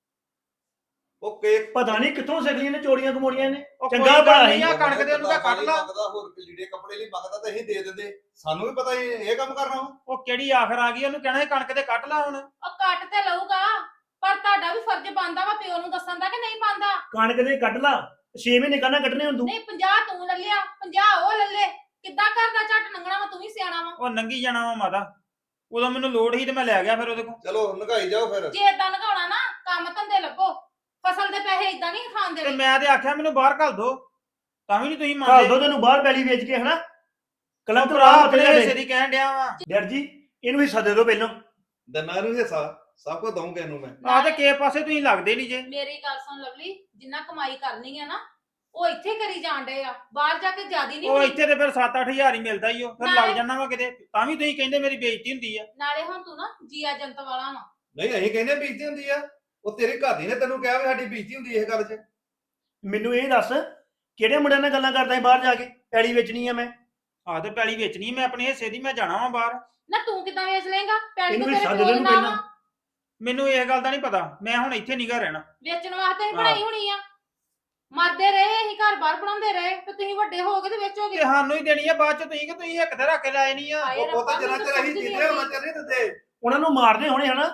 D: ਉਹ ਕੇਕ
C: ਪਤਾ ਨਹੀਂ ਕਿੱਥੋਂ ਸਿੱਖ ਲਈਆਂ ਨੇ ਚੋਰੀਆਂ ਕਮੋੜੀਆਂ ਨੇ।
E: ਉਹ
C: ਚੰਗਾ
E: ਕੋਈ ਗੱਲ
C: ਭਲਾ
E: ਨਹੀਂ
C: ਸੀ।
E: ਆ, ਕਣਕ ਦੇ ਉਹਨੂੰ ਤਾਂ ਕੱਢ ਲਾ।
D: ਮੰਗਦਾ, ਹੋਰ ਲੀੜੇ ਕੱਪੜੇ ਲਈ ਮੰਗਦਾ ਤਾਂ ਅਸੀਂ ਦੇ ਦਿੰਦੇ। ਸਾਨੂੰ ਵੀ ਪਤਾ ਇਹ ਕੰਮ ਕਰਨਾ ਵਾ।
E: ਉਹ ਕਿਹੜੀ ਆਖਰ ਆ ਗਈ, ਉਹਨੂੰ ਕਹਿਣਾ ਸੀ ਕਣਕ ਦੇ ਕੱਢ ਲਾ ਹੁਣ।
A: ਉਹ ਕੱਟ ਤੇ ਲਊਗਾ, ਪਰ ਤੁਹਾਡਾ ਵੀ ਫਰਜ਼ ਬਣਦਾ ਵਾ ਪਿਓ ਨੂੰ ਦੱਸਣ ਦਾ ਕਿ ਨਹੀਂ ਬਣਦਾ?
C: ਕਣਕ ਦੇ ਕੱਢ ਲਾ, 6 ਮਹੀਨੇ ਕਰਨਾ ਕੱਢਣੇ ਹੁਣ ਤੂੰ।
A: ਨਹੀਂ 50 ਤੂੰ ਲੈ ਲਿਆ, 50 ਉਹ ਲੈ ਲੈ। ਕਿੱਦਾਂ ਕਰਦਾ ਝੱਟ ਲੰਘਣਾ ਵਾ? ਤੂੰ ਵੀ ਸਿਆਣਾ ਵਾ।
E: ਉਹ ਨੰਗੀ ਜਾਣਾ ਵਾ ਮਾਤਾ। ਉਦੋਂ ਮੈਨੂੰ ਲੋੜ ਸੀ ਤੇ ਮੈਂ ਲੈ ਗਿਆ ਫਿਰ ਉਹਦੇ ਕੋਲ।
D: ਚਲੋ ਨਗਾਈ ਜਾਓ ਫਿਰ।
A: ਜੇ ਏਦਾਂ ਲਗਾਉਣਾ ਨਾ, ਕੰਮ ਧੰਦੇ ਲੱਭੋ। ਫਸਲ ਦੇ ਪੈਸੇ ਏਦਾਂ ਨਹੀਂ ਖਾਣ
E: ਤੇ
A: ਦੇਣੇ।
E: ਮੈਂ ਤੇ ਆਖਿਆ ਮੈਨੂੰ ਬਾਹਰ ਘੱਲ ਦੋ, ਤਾਂ ਵੀ ਨਹੀਂ ਤੁਸੀਂ
C: ਘੱਲ
E: ਮੰਨਦੇ।
C: ਦੋ ਤੈਨੂੰ ਬਾਹਰ ਪੈਲੀ ਵੇਚ ਕੇ ਹਨਾ। ਕਲਮ ਤੋਂ
E: ਭਰਾ
C: ਰਾਹ
E: ਆਪਣੇ
C: ਤੇ
E: ਹਿੱਸੇ ਦੀ ਕਹਿਣ ਡਿਆ ਵਾ।
C: ਡਰ ਜੀ, ਇਹਨੂੰ ਹਿੱਸਾ ਦੇ ਦਿਓ ਪਹਿਲਾਂ।
D: ਦੰਨਾ ਨੂੰ ਹਿੱਸਾ ਸਭ ਕੁਝ ਦਊਂਗਾ ਇਹਨੂੰ ਮੈਂ।
E: ਆਹ ਤੇ ਕਿਸੇ ਪਾਸੇ ਤੁਸੀਂ ਲੱਗਦੇ ਨਹੀਂ ਜੇ।
A: ਮੇਰੀ ਗੱਲ ਸੁਣ ਲਵਲੀ, ਜਿੰਨਾ ਕਮਾਈ ਕਰਨੀ ਆ ਨਾ ਉਹ ਇੱਥੇ ਕਰੀ ਜਾਣ ਡਏ ਆ, ਬਾਹਰ ਜਾ ਕੇ ਜਿਆਦੀ ਨਹੀਂ
E: ਉਹ
A: ਹੋਣੀ।
E: ਇੱਥੇ ਤੇ ਫਿਰ 7-8000 ਹੀ ਮਿਲਦਾ ਹੀ ਉਹ, ਫਿਰ ਲੱਗ
A: ਨਾਲੇ-
E: ਜਾਣਾ ਵਾ ਕਿਤੇ, ਤਾਂ ਵੀ ਤੁਸੀਂ ਕਹਿੰਦੇ ਮੇਰੀ ਬੇਇੱਜ਼ਤੀ ਹੁੰਦੀ ਆ।
A: ਨਾਲੇ ਹੁਣ ਤੂੰ ਨਾ ਜੀਆ ਜੰਤ ਵਾਲਾ ਵਾ।
D: ਨਹੀਂ ਅਸੀਂ ਕਹਿੰਦੇ ਬੀਜਤੀ ਹੁੰਦੀ ਆ। ਉਹ ਤੇਰੇ ਘਰ ਦੀ ਨੇ ਤੈਨੂੰ ਕਿਹਾ ਵੀ ਸਾਡੀ ਬੀਜਤੀ ਹੁੰਦੀ ਇਸ ਗੱਲ 'ਚ।
C: ਮੈਨੂੰ ਇਹ ਦੱਸ, ਕਿਹੜੇ ਮੁੰਡਿਆਂ ਨਾਲ ਗੱਲਾਂ ਕਰਦਾ ਸੀ ਬਾਹਰ ਜਾ ਕੇ? ਪੈਲੀ ਵੇਚਣੀ ਆ ਮੈਂ।
E: ਆਹ ਤੇ ਪੈਲੀ ਵੇਚਣੀ ਮੈਂ ਆਪਣੇ ਹਿੱਸੇ ਦੀ, ਮੈਂ ਜਾਣਾ ਵਾ ਬਾਹਰ।
A: ਨਾ ਤੂੰ ਕਿੱਦਾਂ ਵੇਚ ਲੇਗਾ? ਪੈਲੀ
C: ਇਹਨੂੰ
A: ਤੋਂ
C: ਵੀ
A: ਤੇਰੇ
C: ਸੱਦ
A: ਕੋਲ
C: ਦੇ ਨੂੰ
A: ਨਾ
C: ਪਹਿਲਾਂ।
A: ਵਾ।
E: ਮੈਨੂੰ ਇਹ ਗੱਲ ਦਾ ਨਹੀਂ ਪਤਾ, ਮੈਂ ਹੁਣ ਇੱਥੇ ਨਹੀਂਗਾ ਰਹਿਣਾ।
A: ਵੇਚਣ ਵਾਸਤੇ ਹੀ
E: ਹਾਂ।
A: ਬਣਾਈ ਹੋਣੀ ਆ। ਮਰਦੇ ਰਹੇ ਅਸੀਂ, ਘਰ ਬਾਹਰ ਬਣਾਉਂਦੇ ਰਹੇ ਤੇ ਤੁਸੀਂ ਵੱਡੇ ਹੋ ਗਏ ਤੇ ਵੇਚੋਗੇ।
E: ਤੇ ਸਾਨੂੰ ਹੀ ਦੇਣੀ ਆ ਬਾਅਦ ਚ, ਤੁਸੀਂ ਕਿ ਤੁਸੀਂ ਇੱਕ ਤੇ ਰੱਖ ਕੇ ਲਾਏ ਨਹੀਂ ਆ।
A: ਹਾਏ
D: ਉਹ
A: ਰੱਬਾ,
D: ਪੁੱਤ ਜਿੰਨਾ
A: ਮੈਨੂੰ
D: ਚਿਰ ਅਸੀਂ
A: ਸਮਝ ਨਹੀਂ
D: ਜੀਤੇ ਉਹਨਾਂ
A: ਆਉਂਦੀ।
D: ਚਿਰ ਨਹੀਂ ਦਿੰਦੇ।
C: ਉਹਨਾਂ ਨੂੰ ਮਾਰਦੇ ਹੋਣੇ ਹਨਾ।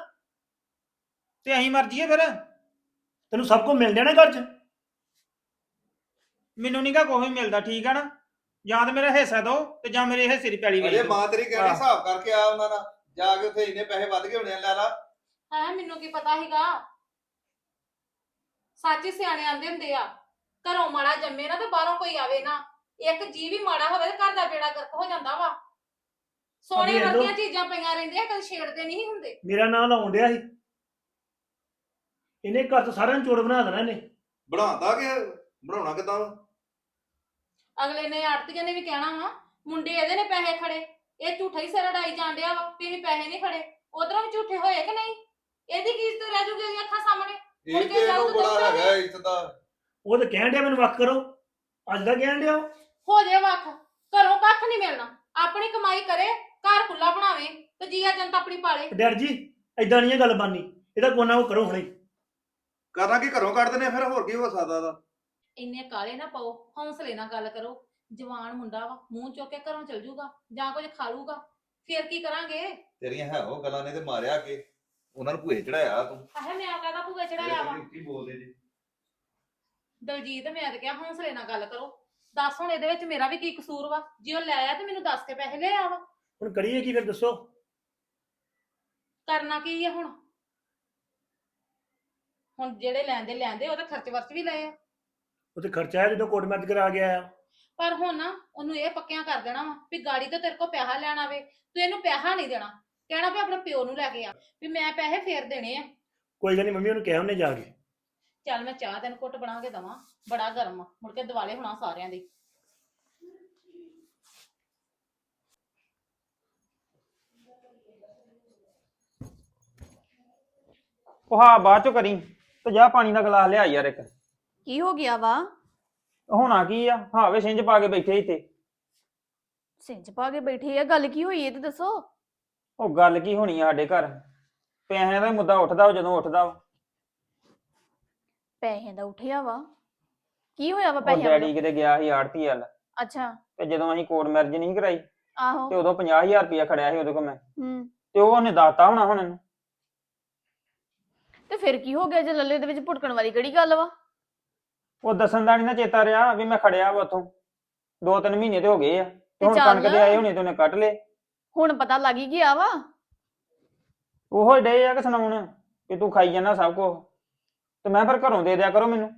E: ਤੇ ਅਸੀਂ ਮਰ ਜਾਈਏ ਫਿਰ?
C: ਤੈਨੂੰ ਸਭ ਕੁਝ ਮਿਲ ਜਾਣਾ ਘਰ 'ਚ।
E: ਮੈਨੂੰ ਨਹੀਂਗਾ ਕੋਈ ਵੀ ਮਿਲਦਾ, ਠੀਕ ਆ ਨਾ। ਜਾਂ ਤੇ ਮੇਰਾ ਹਿੱਸਾ ਦਿਓ ਤੇ ਜਾਂ ਮੇਰੇ ਹਿੱਸੇ ਦੀ ਪੈਲੀ ਵੇਚ
D: ਅਜੇ
E: ਦਿਓ।
D: ਮਾਂ ਤੇਰੀ ਕਹਿੰਦੀ
E: ਹਾਂ।
D: ਹਿਸਾਬ ਕਰਕੇ ਆ ਉਹਨਾਂ ਨਾਲ ਜਾ ਕੇ ਉੱਥੇ ਇੰਨੇ ਪੈਸੇ ਵੱਧ ਗਏ ਹੋਣੇ ਆ, ਲੈ ਲਾ।
A: ਹਾਂ, ਮੈਨੂੰ ਕੀ ਪਤਾ ਸੀਗਾ। ਸੱਚ ਹੀ ਸਿਆਣੇ ਆਂਦੇ ਹੁੰਦੇ ਆ, ਘਰੋਂ ਮਾੜਾ ਜੰਮੇ ਨਾ ਤੇ ਬਾਹਰੋਂ ਕੋਈ ਆਵੇ ਨਾ। ਇੱਕ ਜੀ ਵੀ ਮਾੜਾ ਹੋਵੇ ਤੇ ਘਰ ਦਾ ਬੇੜਾ ਗਰਕ ਹੋ ਜਾਂਦਾ ਵਾ। ਸੋਨੇ
C: ਵੇਖ ਲਓ।
A: ਵਰਗੀਆਂ ਚੀਜ਼ਾਂ ਪਈਆਂ ਰਹਿੰਦੀਆਂ, ਕਦੇ ਛੇੜਦੇ ਨਹੀਂ ਹੁੰਦੇ।
C: ਮੇਰਾ ਨਾਂ ਲਾਉਣ ਡਿਆ ਸੀ। ਇਹਨੇ ਘਰ ਤੋਂ ਸਾਰਿਆਂ ਨੂੰ ਚੋਰ ਬਣਾ ਦੇਣਾ ਇਹਨੇ।
D: ਬਣਾਉਂਦਾ ਕਿ ਬਣਾਉਣਾ ਕਿਦਾਂ?
A: ਅਗਲੇ ਨੇ ਆੜਤੀਆਂ ਨੇ ਵੀ ਕਹਿਣਾ ਵਾ ਮੁੰਡੇ ਇਹਦੇ ਨੇ ਪੈਸੇ ਖੜੇ, ਇਹ ਝੂਠਾ ਹੀ ਸਿਰ ਅੜਾਈ ਜਾਣ ਡਿਆ ਵਾ ਵੀ ਅਸੀਂ ਪੈਸੇ ਨਹੀਂ ਖੜੇ। ਉਧਰੋਂ ਵੀ ਝੂਠੇ ਹੋਏ ਕਿ ਨਹੀਂ? ਇਹਦੀ ਕੀ ਇੱਜ਼ਤ ਰਹਿ ਜੂਗੀ ਉਹਦੀਆਂ ਅੱਖਾਂ ਸਾਹਮਣੇ? ਮੁੜ
D: ਇਹ
A: ਕੇ
D: ਤੇ
A: ਜਾਊ
D: ਇਹਨੂੰ
A: ਤੇ
D: ਬੜਾ
A: ਦੱਸਣਾ
D: ਹੈਗਾ ਇੱਜ਼ਤ ਦਾ।
C: ਉਹ ਤਾਂ ਕਹਿਣ ਡਿਆ ਮੈਨੂੰ ਵੱਖ ਕਰੋ। ਅੱਜ ਦਾ ਕਹਿਣ ਡਿਆ ਉਹ।
A: ਹੋ ਜੇ ਵੱਖ, ਘਰੋਂ ਕੱਖ ਨਹੀਂ ਮਿਲਣਾ। ਆਪਣੀ ਕਮਾਈ ਕਰੇ, ਘਰ ਖੁੱਲਾ ਬਣਾਵੇ ਤੇ ਜੀਆ ਜਨਤਾ ਆਪਣੀ ਪਾਲੇ।
C: ਡਰ ਜੀ, ਏਦਾਂ ਨਹੀਂ ਇਹ ਗੱਲ ਬਣਨੀ। ਇਹਦਾ ਕੋਨਾ ਉਹ ਕਰੋ ਹੁਣੇ।
D: ਕਰਨਾ ਕੀ ਘਰੋਂ ਕੱਢ ਦਿੰਦੇ ਆ, ਫਿਰ ਹੋਰ ਕੀ ਹੋ ਸਕਦਾ ਦਾ?
A: ਇੰਨੇ ਕਾਲੇ ਨਾ ਪਾਓ, ਹੌਸਲੇ ਨਾਲ ਗੱਲ ਕਰੋ। ਜਵਾਨ ਮੁੰਡਾ ਵਾ, ਮੂੰਹ ਚੁੱਕ ਕੇ ਘਰੋਂ ਚਲ ਜੂਗਾ ਜਾਂ ਕੁਝ ਖਾ ਲੂਗਾ, ਫੇਰ ਕੀ ਕਰਾਂਗੇ?
D: ਤੇਰੀਆਂ ਹੈ ਉਹ ਗੱਲਾਂ ਨੇ ਤੇ ਮਾਰਿਆ ਕੇ ਉਹਨਾਂ ਨੂੰ ਭੂਏ ਚੜਾਇਆ ਤੂੰ
A: ਆਹੇ ਮੈਂ ਕਾਹਦਾ ਭੂਆ ਚੜਾਇਆ ਵਾ?
D: ਕੀ ਬੋਲਦੇ ਜੀ
A: ਦਲਜੀਤ, ਮੈਂ ਤਾਂ ਕਿਹਾ ਹੌਸਲੇ ਨਾਲ ਗੱਲ ਕਰੋ। ਦੱਸ ਹੁਣ ਇਹਦੇ ਵਿੱਚ ਮੇਰਾ ਵੀ ਕੀ ਕਸੂਰ ਵਾ? ਜੇ ਉਹ ਲੈ ਆਇਆ ਤੇ ਮੈਨੂੰ ਦੱਸ ਕੇ ਪੈਸੇ ਲੈ ਆ ਵਾ।
C: ਹੁਣ ਕਰੀਏ ਕੀ ਫਿਰ ਦੱਸੋ?
A: ਕਰਨਾ ਕੀ ਆ ਹੁਣ? ਹੁਣ ਜਿਹੜੇ ਲੈਂਦੇ ਉਹ ਤਾਂ ਖਰਚ ਵਰਚ ਵੀ ਲਏ ਆ,
C: ਉਹ ਤੇ ਖਰਚਾ ਹੈ ਜਦੋਂ ਕੋਰਟ ਮੈਰਿਜ ਕਰਾ ਗਿਆ ਆ।
A: ਪਰ ਹੁਣ ਨਾ ਉਹਨੂੰ ਇਹ ਪੱਕਿਆਂ ਕਰ ਦੇਣਾ ਵਾ ਵੀ ਗਾੜੀ ਤੋਂ ਤੇਰੇ ਕੋਲ ਪੈਸਾ ਲੈਣ ਆਵੇ, ਤੂੰ ਇਹਨੂੰ ਪੈਸਾ ਨਹੀਂ ਦੇਣਾ, ਕਹਿਣਾ ਵੀ ਆਪਣੇ ਪਿਓ ਨੂੰ ਲੈ ਕੇ ਆ, ਵੀ ਮੈਂ ਪੈਸੇ ਫੇਰ ਦੇਣੇ ਆ।
C: ਕੋਈ ਗੱਲ ਨਹੀਂ ਮੰਮੀ, ਉਹਨੂੰ ਕਿਹਾ ਉਹਨੇ ਜਾ ਕੇ।
A: ਚੱਲ ਮੈਂ ਚਾਹ ਤੈਨੂੰ ਘੁੱਟ ਬਣਾ ਕੇ ਦਵਾਂ, ਬੜਾ ਗਰਮ ਆ, ਮੁੜ ਕੇ ਦਿਵਾਲੇ ਹੋਣਾ ਸਾਰਿਆਂ ਦੇ।
E: ਉਹ ਹਾਂ ਬਾਅਦ ਚੋਂ ਕਰੀ ਤੇ ਜਾ ਪਾਣੀ ਦਾ ਗਲਾਸ ਲਿਆ ਯਾਰ ਇੱਕ।
B: ਕੀ ਹੋ ਗਿਆ ਵਾ?
E: ਹੋਣਾ ਕੀ ਆ, ਹਾਵੇ ਸਿੰਜ ਪਾ ਕੇ ਬੈਠੇ ਇੱਥੇ।
B: ਸਿੰਜ ਪਾ ਕੇ ਬੈਠੇ ਆ? ਗੱਲ ਕੀ ਹੋਈ ਇਹ ਤੇ ਦੱਸੋ।
E: ਉਹ ਗੱਲ ਕੀ ਹੋਣੀ ਆ ਸਾਡੇ ਘਰ, ਪੈਸਿਆਂ ਦਾ ਹੀ ਮੁੱਦਾ ਉੱਠਦਾ ਵਾ ਜਦੋਂ ਉੱਠਦਾ ਵਾ।
B: ਪੈਸੇ ਦਾ ਉੱਠਿਆ ਵਾ? ਕੀ ਹੋਇਆ ਵਾ
E: ਉਹ
B: ਪੈਸਿਆਂ
E: ਡੈਡੀ
B: ਦਾ?
E: ਕਿਤੇ ਗਿਆ ਸੀ ਆੜਤੀ ਵੱਲ,
B: ਅੱਛਾ।
E: ਤੇ ਜਦੋਂ ਅਸੀਂ ਕੋਰਟ ਮੈਰਿਜ ਨਹੀਂ ਕਰਾਈ
B: ਆਹੋ।
E: ਤੇ ਉਦੋਂ 50,000 ਰੁਪਇਆ ਖੜਿਆ ਸੀ ਉਹਦੇ ਕੋਲ ਮੈਂ,
B: ਹੂੰ।
E: ਤੇ ਉਹ ਉਹਨੇ ਦਾਤਾ ਹੋਣਾ ਹੁਣ ਇਹਨੂੰ।
B: ਤੇ ਫਿਰ ਕੀ ਹੋ ਗਿਆ ਜੇ ਲੱਲੇ ਦੇ ਵਿੱਚ ਭੁਟਕਣ ਵਾਲੀ ਕਿਹੜੀ ਗੱਲ ਵਾ?
E: ਉਹ ਦੱਸਣ ਦਾ ਨਹੀਂ ਨਾ ਚੇਤਾ ਰਿਹਾ ਵੀ ਮੈਂ ਖੜਿਆ ਵਾ ਉੱਥੋਂ। 2-3 ਮਹੀਨੇ ਤੇ ਹੋ ਗਏ ਆ, ਤੇ
B: ਤੇ
E: ਹੁਣ
B: ਚੱਲ।
E: ਕਣਕ ਦੇ ਆਏ ਹੋਣੇ ਤੇ ਉਹਨੇ ਕੱਟ ਲਏ।
B: ਹੁਣ ਪਤਾ ਲੱਗ ਹੀ ਗਿਆ ਵਾ।
E: ਉਹੋ ਹੀ ਡੇ ਆ ਕਿ ਸੁਣਾਉਣ ਕਿ ਤੂੰ ਖਾਈ ਜਾਂਦਾ ਸਭ ਕੁਝ, ਤੇ ਮੈਂ ਫਿਰ ਘਰੋਂ ਦੇ ਦਿਆ ਕਰੋ ਮੈਨੂੰ।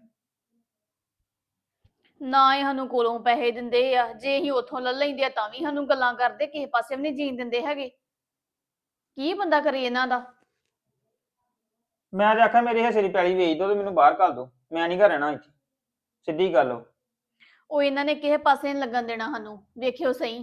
B: ਨਾ ਇਹ ਸਾਨੂੰ ਕੋਲੋਂ ਪੈਸੇ ਦਿੰਦੇ ਆ, ਜੇ ਅਸੀਂ ਉੱਥੋਂ ਲੈ ਲੈਂਦੇ ਆ ਤਾਂ ਵੀ ਸਾਨੂੰ ਗੱਲਾਂ ਕਰਦੇ, ਕਿਸੇ ਪਾਸੇ ਵੀ ਨਹੀਂ ਜੀਣ ਦਿੰਦੇ ਹੈਗੇ। ਕੀ ਬੰਦਾ ਕਰੇ ਇਹਨਾਂ ਦਾ?
E: ਮੈਂ ਤੇ ਆਖਿਆ ਮੇਰੀ ਹਿੱਸੇ ਦੀ ਪੈਲੀ ਵੇਚ ਦੋ ਤੇ ਮੈਨੂੰ ਬਾਹਰ ਘੱਲ ਦੋ, ਮੈਂ ਨਹੀਂ ਘਰ ਰਹਿਣਾ ਇੱਥੇ, ਸਿੱਧੀ ਗੱਲ ਉਹ।
B: ਉਹ ਇਹਨਾਂ ਨੇ ਕਿਸੇ ਪਾਸੇ ਨਹੀਂ ਲੱਗਣ ਦੇਣਾ ਸਾਨੂੰ, ਵੇਖਿਓ ਸਹੀ।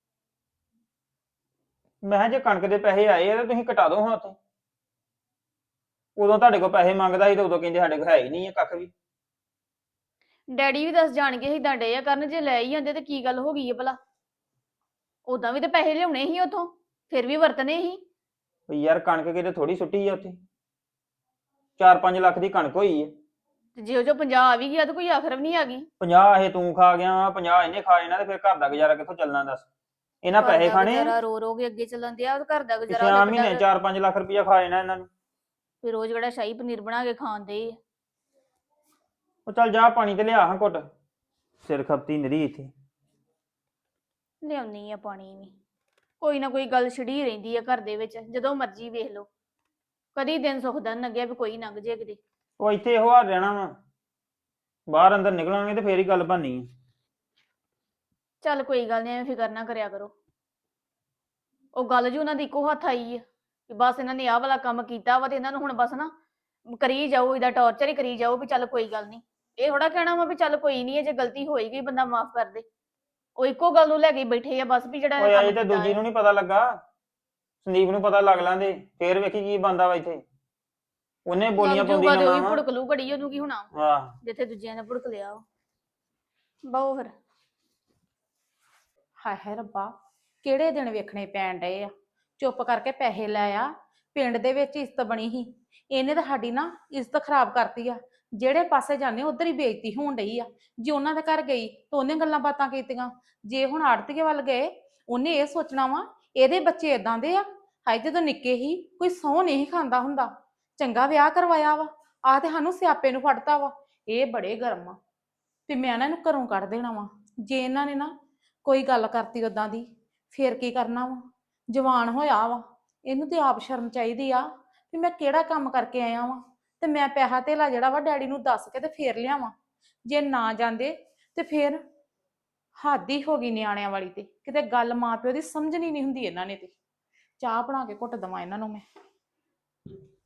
E: ਮੈਂ ਕਿਹਾ ਜੇ ਕਣਕ ਦੇ ਪੈਸੇ ਆਏ ਆ ਤਾਂ ਤੁਸੀਂ ਕਟਾ ਦਿਓ ਹੁਣ ਉੱਥੇ। ਉਦੋਂ ਤੁਹਾਡੇ ਕੋਲ ਪੈਸੇ ਮੰਗਦਾ ਸੀ ਤੇ ਉਦੋਂ ਕਹਿੰਦੇ ਸਾਡੇ ਕੋਲ ਹੈ ਹੀ ਨਹੀਂ ਹੈ ਕੱਖ ਵੀ।
B: ਡੈਡੀ ਵੀ ਦੱਸ ਜਾਣ ਕੇ ਏਦਾਂ ਡੇ ਆ ਕਰਨ, ਜੇ ਲੈ ਹੀ ਜਾਂਦੇ ਤੇ ਕੀ ਗੱਲ ਹੋ ਗਈ ਹੈ ਭਲਾ? ਉਦਾਂ ਵੀ ਤੇ ਪੈਸੇ ਲਿਆਉਣੇ ਸੀ ਉਥੋਂ, ਫਿਰ ਵੀ ਵਰਤਨੇ ਸੀ।
E: ਵੀ ਯਾਰ ਕਣਕ ਕਿਤੇ ਥੋੜੀ ਸੁੱਟੀ ਆ ਉੱਥੇ, 4-5 ਲੱਖ ਦੀ ਕਣਕ ਹੋਈ ਹੈ।
B: ਤੇ ਜੇ ਉਹ ਜੋ 50 ਆ ਵੀ ਗਿਆ ਤੇ ਕੋਈ ਆਖਰ ਵੀ ਨਹੀਂ ਆ ਗਈ।
E: 50 ਇਹ ਤੂੰ ਖਾ ਗਿਆ, 50 ਇਹਨੇ ਖਾ ਜਾਣਾ, ਤੇ ਫਿਰ ਘਰ ਦਾ ਗੁਜ਼ਾਰਾ ਕਿੱਥੋਂ ਚੱਲਣਾ ਦੱਸ? ਇਹਨਾਂ ਪੈਸੇ ਖਾਣੇ ਆ।
B: ਰੋ ਰੋ ਕੇ ਅੱਗੇ ਚੱਲਣ ਦਿਆ, ਘਰ ਦਾ
E: ਪਿਛਲੇ
B: ਗੁਜ਼ਾਰਾ
E: ਮਹੀਨੇ 4-5 ਲੱਖ ਰੁਪਇਆ ਖਾ ਜਾਣਾ ਇਹਨਾਂ ਨੂੰ।
B: ਫਿਰ ਰੋਜ਼ ਜਿਹੜਾ ਸ਼ਾਹੀ ਪਨੀਰ ਬਣਾ ਕੇ ਖਾਂਦੇ ਆ।
E: ਉਹ ਚੱਲ ਜਾ ਪਾਣੀ ਤੇ ਲਿਆ ਹਾਂ ਘੁੱਟ, ਸਿਰ ਖਪਤੀ ਨਰੀ ਇੱਥੇ।
B: ਲਿਆਉਣੀ ਆ ਪਾਣੀ ਵੀ, ਕੋਈ ਨਾ ਕੋਈ ਗੱਲ ਛਿੜੀ ਰਹਿੰਦੀ ਆ ਘਰ ਦੇ ਵਿੱਚ, ਜਦੋਂ ਮਰਜ਼ੀ ਵੇਖ ਲਓ। ਕਦੀ ਦਿਨ ਸੁੱਖ ਦਾ ਨੀ ਲੰਘਿਆ ਵੀ ਕੋਈ ਲੰਘ ਜੇ ਕਿਤੇ।
E: ਉਹ ਇੱਥੇ ਇਹੋ ਹਾਲ ਰਹਿਣਾ ਵਾ, ਬਾਹਰ ਅੰਦਰ ਨਿਕਲਾਂਗੇ ਤੇ ਫੇਰ ਹੀ ਗੱਲ ਬਣਨੀ ਹੈ।
B: ਚੱਲ ਕੋਈ ਗੱਲ ਨਹੀਂ, ਐਵੇਂ ਫਿਕਰ ਨਾ ਕਰਿਆ ਕਰੋ। ਉਹ ਗੱਲ ਜੀ ਉਹਨਾਂ ਦੀ ਇੱਕੋ ਹੱਥ ਆਈ ਆ ਕਿ ਬਸ ਇਹਨਾਂ ਨੇ ਆਹ ਵਾਲਾ ਕੰਮ ਕੀਤਾ ਵਾ ਤੇ ਇਹਨਾਂ ਨੂੰ ਹੁਣ ਬਸ ਨਾ ਕਰੀ ਜਾਓ, ਇਹਦਾ ਟੌਰਚਰ ਹੀ ਕਰੀ ਜਾਓ ਵੀ ਚੱਲ ਕੋਈ ਗੱਲ ਨਹੀਂ। ਇਹ ਥੋੜਾ ਕਹਿਣਾ ਵਾ ਵੀ ਚੱਲ ਕੋਈ ਨਹੀਂ, ਜੇ ਗਲਤੀ ਹੋਈ ਗਈ ਬੰਦਾ ਮਾਫ ਕਰ ਦੇ। ਉਹ ਇੱਕੋ ਗੱਲ ਨੂੰ ਲੈ ਕੇ ਬੈਠੇ ਆ ਬਸ ਵੀ ਜਿਹੜਾ
E: ਓਏ
B: ਕੰਮ
E: ਅਜੇ ਤੇ
B: ਕੀਤਾ
E: ਦੂਜੀ
B: ਹੈ।
E: ਨੂੰ ਨਹੀਂ ਪਤਾ ਲੱਗਾ, ਸੰਦੀਪ ਨੂੰ ਪਤਾ ਲੱਗ ਲਾਂਦੇ ਫੇਰ ਵੇਖੀ ਕੀ ਬੰਦਾ ਵਾ ਇੱਥੇ। ਉਹਨੇ ਬੋਲੀਆਂ
B: ਲੱਗ
E: ਪਾਉਂਦੀ
B: ਜਾਊਗਾ ਤੇ ਉਹ
E: ਨਾ
B: ਵੀ
E: ਵਾ।
B: ਭੁੜਕ ਲੂ ਘੜੀ, ਉਹਨੂੰ ਕੀ ਹੋਣਾ
E: ਹਾਂ
B: ਜਿੱਥੇ ਦੂਜਿਆਂ ਨੇ ਭੁੜਕ ਲਿਆ ਵਾ। ਬਹੁ ਫਿਰ
A: ਹਾਏ ਹਾਏ ਰੱਬਾ, ਕਿਹੜੇ ਦਿਨ ਵੇਖਣੇ ਪੈਣ ਡਏ ਆ। ਚੁੱਪ ਕਰਕੇ ਪੈਸੇ ਲੈ ਆ, ਪਿੰਡ ਦੇ ਵਿੱਚ ਇੱਜ਼ਤ ਬਣੀ ਸੀ, ਇਹਨੇ ਤਾਂ ਸਾਡੀ ਨਾ ਇੱਜ਼ਤ ਖਰਾਬ ਕਰਤੀ ਆ। ਜਿਹੜੇ ਪਾਸੇ ਜਾਂਦੇ ਉਧਰ ਹੀ ਬੇਇੱਜ਼ਤੀ ਹੋਣ ਡਈ ਆ। ਜੇ ਉਹਨਾਂ ਦੇ ਘਰ ਗਈ ਤਾਂ ਉਹਨੇ ਗੱਲਾਂ ਬਾਤਾਂ ਕੀਤੀਆਂ, ਜੇ ਹੁਣ ਆੜਤੀਏ ਵੱਲ ਗਏ ਉਹਨੇ ਇਹ ਸੋਚਣਾ ਵਾ ਇਹਦੇ ਬੱਚੇ ਇਦਾਂ ਦੇ ਆ। ਹਾਏ ਜਦੋਂ ਨਿੱਕੇ ਹੀ ਕੋਈ ਸਹੁੰ ਨਹੀਂ ਖਾਂਦਾ ਹੁੰਦਾ, ਚੰਗਾ ਵਿਆਹ ਕਰਵਾਇਆ ਵਾ, ਆਹ ਤੇ ਸਾਨੂੰ ਸਿਆਪੇ ਨੂੰ ਫੜਤਾ ਵਾ। ਇਹ ਬੜੇ ਗਰਮ ਆ ਤੇ ਮੈਂ ਇਹਨਾਂ ਨੂੰ ਘਰੋਂ ਕੱਢ ਦੇਣਾ ਵਾ। ਜੇ ਇਹਨਾਂ ਨੇ ਨਾ ਕੋਈ ਗੱਲ ਕਰਤੀ ਉਦਾਂ ਦੀ, ਫੇਰ ਕੀ ਕਰਨਾ ਵਾ? ਜਵਾਨ ਹੋਇਆ ਵਾ, ਇਹਨੂੰ ਤੇ ਆਪ ਸ਼ਰਮ ਚਾਹੀਦੀ ਆ ਵੀ ਮੈਂ ਕਿਹੜਾ ਕੰਮ ਕਰਕੇ ਆਇਆ ਵਾਂ, ਤੇ ਮੈਂ ਪੈਸਾ ਧੇਲਾ ਜਿਹੜਾ ਵਾ ਡੈਡੀ ਨੂੰ ਦੱਸ ਕੇ ਤੇ ਫੇਰ ਲਿਆਵਾਂ। ਜੇ ਨਾ ਜਾਂਦੇ ਤੇ ਫੇਰ ਹੱਦ ਹੀ ਹੋ ਗਈ ਨਿਆਣਿਆਂ ਵਾਲੀ। ਤੇ ਕਿਤੇ ਗੱਲ ਮਾਂ ਪਿਓ ਦੀ ਸਮਝਣੀ ਨਹੀਂ ਹੁੰਦੀ ਇਹਨਾਂ ਨੇ। ਤੇ ਚਾਹ ਬਣਾ ਕੇ ਘੁੱਟ ਦੇਵਾਂ ਇਹਨਾਂ ਨੂੰ ਮੈਂ।